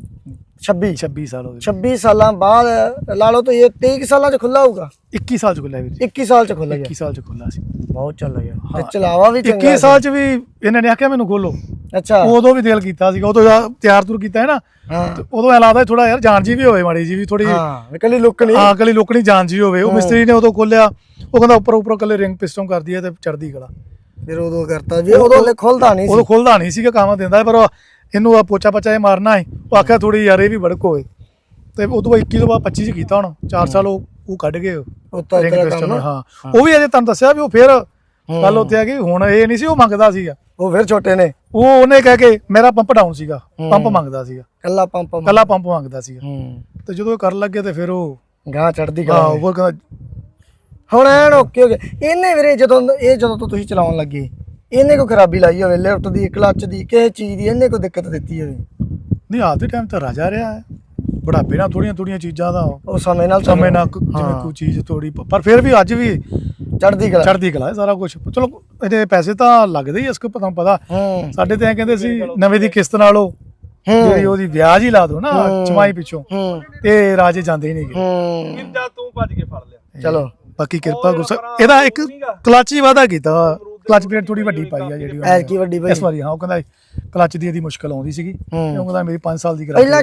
B: 26 ਸਾਲ ਹੋ ਗਏ।
A: 26 ਸਾਲਾਂ ਬਾਅਦ ਲਾ ਲਓ, ਤਾਂ ਇਹ 23 ਸਾਲਾਂ ਚ ਖੁੱਲਾ ਹੋਊਗਾ।
B: 21 ਸਾਲ ਚ ਖੁੱਲਿਆ ਵੀਰ,
A: 21 ਸਾਲ ਚ ਖੁੱਲਾ,
B: 21 ਸਾਲ ਚ ਖੁੱਲਾ ਸੀ।
A: ਬਹੁਤ ਚੱਲ ਗਿਆ ਤੇ ਚਲਾਵਾ ਵੀ ਚੰਗਾ।
B: 21 ਸਾਲ ਚ ਵੀ ਇਹਨਾਂ ਨੇ ਆਖਿਆ ਮੈਨੂੰ ਖੋਲੋ।
A: ਅੱਛਾ,
B: ਉਦੋਂ ਵੀ ਦਿਲ ਕੀਤਾ ਸੀਗਾ, ਉਦੋਂ ਤਿਆਰ ਤੁਰ ਕੀਤਾ ਹੈ ਨਾ, ਉਦੋਂ ਐ ਲੱਗਦਾ ਥੋੜਾ ਯਾਰ ਜਾਨ ਜੀ ਵੀ ਹੋਵੇ, ਮਾੜੀ ਜੀ ਵੀ ਥੋੜੀ
A: ਕੱਲੀ ਲੁੱਕ ਨਹੀਂ,
B: ਹਾਂ ਕੱਲੀ ਲੁੱਕ ਨਹੀਂ, ਜਾਨ ਜੀ ਹੋਵੇ। ਉਹ ਮਿਸਤਰੀ ਨੇ ਉਦੋਂ ਖੋਲਿਆ, ਉਹ ਕਹਿੰਦਾ ਉੱਪਰ ਕੱਲੇ ਰਿੰਗ ਪਿਸਟਨ ਕਰਦੀ ਹੈ ਤੇ ਚੜਦੀ ਕਲਾ।
A: ਫਿਰ ਉਦੋਂ ਕਰਤਾ ਵੀ, ਉਦੋਂ ਖੁੱਲਦਾ ਨਹੀਂ ਸੀ,
B: ਉਦੋਂ ਖੁੱਲਦਾ ਨਹੀਂ ਸੀਗਾ, ਕੰਮ ਦਿੰਦਾ ਪਰ ਇਹਨੂੰ ਆ ਪੋਚਾ ਪਚਾ ਇਹ ਮਾਰਨਾ ਹੈ। ਉਹ ਆਖਿਆ ਥੋੜੀ ਯਾਰ ਇਹ ਵੀ ਬੜਕ ਹੋਵੇ, ਤੇ ਉਦੋਂ 21 ਤੋਂ ਬਾਅਦ 25 ਚ ਕੀਤਾ। ਹੁਣ 4 ਸਾਲ ਉਹ ਕੱਢ ਗਏ ਰਿੰਗ ਪਿਸਟਨ। ਹਾਂ ਉਹ ਵੀ ਅਜੇ ਤੁਹਾਨੂੰ ਦੱਸਿਆ ਵੀ ਉਹ ਫਿਰ ਗੱਲ ਉੱਥੇ ਆ ਗਈ। ਹੁਣ ਇਹ ਨਹੀਂ ਸੀ ਉਹ ਮੰਗਦਾ ਸੀਗਾ,
A: ਉਹ ਫਿਰ ਛੋਟੇ ਨੇ,
B: ਉਹਨੇ ਕਹਿ ਕੇ ਮੇਰਾ ਪੰਪ ਡਾਊਨ ਸੀਗਾ, ਪੰਪ ਮੰਗਦਾ ਸੀਗਾ,
A: ਕੱਲਾ ਪੰਪ
B: ਮੰਗਦਾ ਸੀਗਾ। ਤੇ ਜਦੋਂ ਇਹ ਕਰਨ ਲੱਗੇ ਤੇ ਫਿਰ ਉਹ
A: ਗਾਂ ਚੜਦੀ
B: ਹਾਂ ਉਹ ਕਹਿੰਦਾ
A: ਹੁਣ ਐਨ ਓਕੇ ਹੋ ਗਿਆ। ਇਹਨੇ ਵੀਰੇ ਜਦੋਂ ਤੋਂ ਤੁਸੀਂ ਚਲਾਉਣ ਲੱਗੇ, ਇਹਨੇ ਕੋਈ ਖਰਾਬੀ ਲਾਈ ਹੋਵੇ, ਲਿਫਟ ਦੀ, ਕਲੱਚ ਦੀ, ਕਿਸੇ ਚੀਜ਼ ਦੀ ਇਹਨੇ ਕੋਈ ਦਿੱਕਤ ਦਿੱਤੀ ਹੋਵੇ?
B: ਨਹੀਂ, ਆਪ ਦੇ ਟਾਈਮ ਤਾਂ ਰਾਜਾ ਰਿਹਾ ਹੈ, ਬੁਢਾਪੇ ਨਾਲ ਥੋੜੀਆਂ ਚੀਜ਼ਾਂ ਦਾ
A: ਉਹ ਸਮੇਂ ਨਾਲ
B: ਜਿਵੇਂ ਕੋਈ ਚੀਜ਼ ਥੋੜੀ, ਪਰ ਫਿਰ ਵੀ ਅੱਜ ਵੀ ਚੜ੍ਹਦੀ ਕਲਾ ਹੈ ਸਾਰਾ ਕੁਝ। ਚਲੋ ਇਹਦੇ ਪੈਸੇ ਤਾਂ ਲੱਗਦੇ ਹੀ, ਇਸ ਕੋ ਤੁਹਾਨੂੰ ਪਤਾ। ਸਾਡੇ ਤੇ ਐ ਕਹਿੰਦੇ ਸੀ ਨਵੇਂ ਦੀ ਕਿਸ਼ਤ ਨਾਲੋਂ ਜਿਹੜੀ ਉਹਦੀ ਵਿਆਜ ਹੀ ਲਾ ਦੋ ਨਾ ਚਮਾਈ ਪਿੱਛੋਂ, ਤੇ ਰਾਜੇ ਜਾਂਦੇ ਹੀ ਨਹੀਂ ਗਏ।
C: ਤੂੰ ਭੱਜ ਕੇ ਫੜ ਲਿਆ।
A: ਚਲੋ
B: ਬਾਕੀ ਕਿਰਪਾ ਗੁੱਸਾ ਇਹਦਾ ਇੱਕ ਕਲੱਚ ਹੀ ਵਾਧਾ ਕੀਤਾ, ਕਲੱਚ ਪਲੇਟ ਥੋੜੀ ਵੱਡੀ ਪਾਈ ਆ ਜਿਹੜੀ
A: ਐਤਕੀ ਵੱਡੀ ਪਾਈ
B: ਇਸ ਵਾਰੀ। ਹਾਂ ਉਹ ਕਹਿੰਦਾ ਕਲੱਚ ਦੀ ਇਹਦੀ ਮੁਸ਼ਕਲ ਆਉਂਦੀ ਸੀਗੀ, ਉਹ ਕਹਿੰਦਾ ਮੇਰੀ 5 ਸਾਲ ਦੀ
A: ਪਹਿਲਾਂ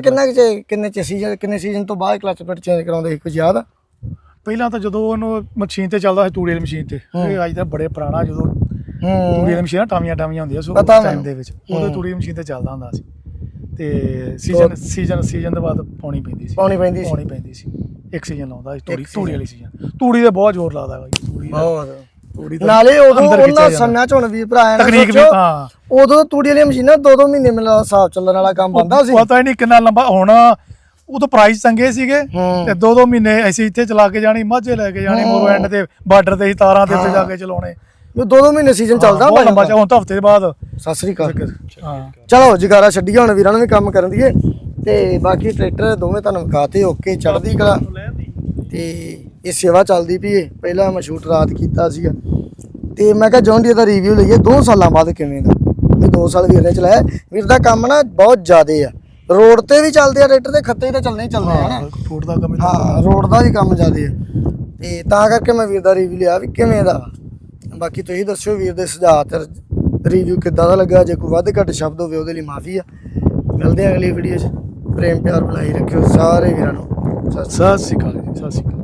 A: ਕਿੰਨੇ ਸੀਜ਼ਨ ਤੋਂ ਬਾਅਦ ਕਲੱਚ ਪਲੇਟ ਚੇਂਜ ਕਰਾਉਂਦੇ ਸੀ, ਕੁਝ ਯਾਦ ਆ?
B: ਪਹਿਲਾਂ ਤਾਂ ਜਦੋਂ ਉਹਨੂੰ ਮਸ਼ੀਨ ਤੇ ਚੱਲਦਾ ਸੀ, ਤੂੜੀ ਵਾਲੀ ਮਸ਼ੀਨ ਤੇ, ਇਹ ਅੱਜ ਤਾਂ ਬੜੇ ਪੁਰਾਣਾ, ਜਦੋਂ ਤੂੜੀ ਵਾਲੀ ਮਸ਼ੀਨਾਂ ਟਾਵੀਆਂ ਹੁੰਦੀਆਂ ਸੀ ਉਸ ਟਾਈਮ ਦੇ ਵਿੱਚ, ਉਦੋਂ ਤੂੜੀ ਦੀ ਮਸ਼ੀਨ ਤੇ ਚੱਲਦਾ ਹੁੰਦਾ ਸੀ। ਤੇ ਸੀਜ਼ਨ ਤੋਂ ਬਾਅਦ ਪਾਉਣੀ ਪੈਂਦੀ ਸੀ। ਇੱਕ ਸੀਜ਼ਨ ਲਾਉਂਦਾ ਸੀ ਤੂੜੀ ਵਾਲੀ ਸੀਜ਼ਨ। ਤੂੜੀ ਤੇ ਬਹੁਤ ਜ਼ੋਰ ਲੱਗਦਾ ਬਾਈ, ਤੂੜੀ
A: ਨਾਲੇ ਉਦੋਂ ਉਹਨਾਂ ਸਮਿਆਂ ਚ ਹੁਣ ਵੀ ਭਰਾ
B: ਤਕਨੀਕ ਵੀ, ਹਾਂ
A: ਉਦੋਂ ਤੂੜੀ ਵਾਲੀਆਂ ਮਸ਼ੀਨਾਂ 2-2 ਮਹੀਨੇ ਮਿਲਦਾ ਹਿਸਾਬ ਚੱਲਣ ਵਾਲਾ ਕੰਮ ਬੰਦਾ ਸੀ,
B: ਪਤਾ ਹੀ ਨਹੀਂ ਕਿੰਨਾ ਲੰਬਾ। ਹੁਣ ਉਦੋਂ ਪ੍ਰਾਈਸ ਚੰਗੇ ਸੀਗੇ, ਤੇ 2-2 ਮਹੀਨੇ ਅਸੀਂ ਇੱਥੇ ਚਲਾ ਕੇ ਜਾਣੀ, ਮਾਝੇ ਲੈ ਕੇ ਜਾਣੀ, ਮੋਰੋ ਐਂਡ ਤੇ ਬਾਰਡਰ ਤੇ ਤਾਰਾਂ ਦੇ ਉੱਤੇ ਜਾ ਕੇ ਚਲਾਉਣੇ।
A: 2-2 ਮਹੀਨੇ ਸੀਜ਼ਨ ਚੱਲਦਾ ਹੁੰਦਾ
B: ਲੰਬਾ। ਹੁਣ ਤਾਂ ਹਫ਼ਤੇ ਬਾਅਦ।
A: ਸਤਿ ਸ੍ਰੀ ਅਕਾਲ। ਚਲੋ ਜਗਾਰਾ ਛੱਡੀਏ, ਹੁਣ ਵੀਰਾਂ ਨੂੰ ਵੀ ਕੰਮ ਕਰਨ ਦੀਏ, ਤੇ ਬਾਕੀ ਟਰੈਕਟਰ ਦੋਵੇਂ ਤੁਹਾਨੂੰ ਵਿਖਾਤੇ ਓਕੇ, ਚੜ੍ਹਦੀ ਕਲਾ, ਤੇ ਇਹ ਸੇਵਾ ਚੱਲਦੀ ਪਈ ਏ। ਪਹਿਲਾਂ ਮੈਂ ਸ਼ੂਟ ਰਾਤ ਕੀਤਾ ਸੀਗਾ, ਤੇ ਮੈਂ ਕਿਹਾ ਜੌਨ ਡੀਅਰ ਦਾ ਰਿਵਿਊ ਲਈਏ 2 ਸਾਲਾਂ ਬਾਅਦ ਕਿਵੇਂ ਦਾ। ਮੈਂ 2 ਸਾਲ ਵੀਰ ਨੇ ਚਲਾਇਆ। ਵੀਰ ਦਾ ਕੰਮ ਨਾ ਬਹੁਤ ਜ਼ਿਆਦੇ ਆ, ਰੋਡ ਤੇ ਵੀ ਚੱਲਦੇ ਆ ਟਰੈਕਟਰ, ਤੇ ਖੱਤੇ ਤਾਂ ਚੱਲਣੇ ਹੀ ਚੱਲਦੇ ਆ ਨਾ,
B: ਫੂਡ ਦਾ ਕੰਮ।
A: ਹਾਂ ਰੋਡ ਦਾ ਵੀ ਕੰਮ ਜ਼ਿਆਦੇ ਆ, ਤੇ ਤਾਂ ਕਰਕੇ ਮੈਂ ਵੀਰ ਦਾ ਰਿਵਿਊ ਲਿਆ ਵੀ ਕਿਵੇਂ ਦਾ। ਬਾਕੀ ਤੁਸੀਂ ਦੱਸਿਓ ਵੀਰ ਦੇ ਸੁਝਾਅ ਤੇ ਰਿਵਿਊ ਕਿੱਦਾਂ ਦਾ ਲੱਗਾ। ਜੇ ਕੋਈ ਵੱਧ ਘੱਟ ਸ਼ਬਦ ਹੋਵੇ ਉਹਦੇ ਲਈ ਮਾਫੀ ਆ। ਮਿਲਦੇ ਆ ਅਗਲੀ ਵੀਡੀਓ 'ਚ। ਪ੍ਰੇਮ ਪਿਆਰ ਬਣਾਈ ਰੱਖਿਓ ਸਾਰੇ ਵੀਰਾਂ ਨੂੰ।
B: ਸਤਿ ਸ਼੍ਰੀ ਅਕਾਲ ਜੀ, ਸਤਿ ਸ਼੍ਰੀ ਅਕਾਲ।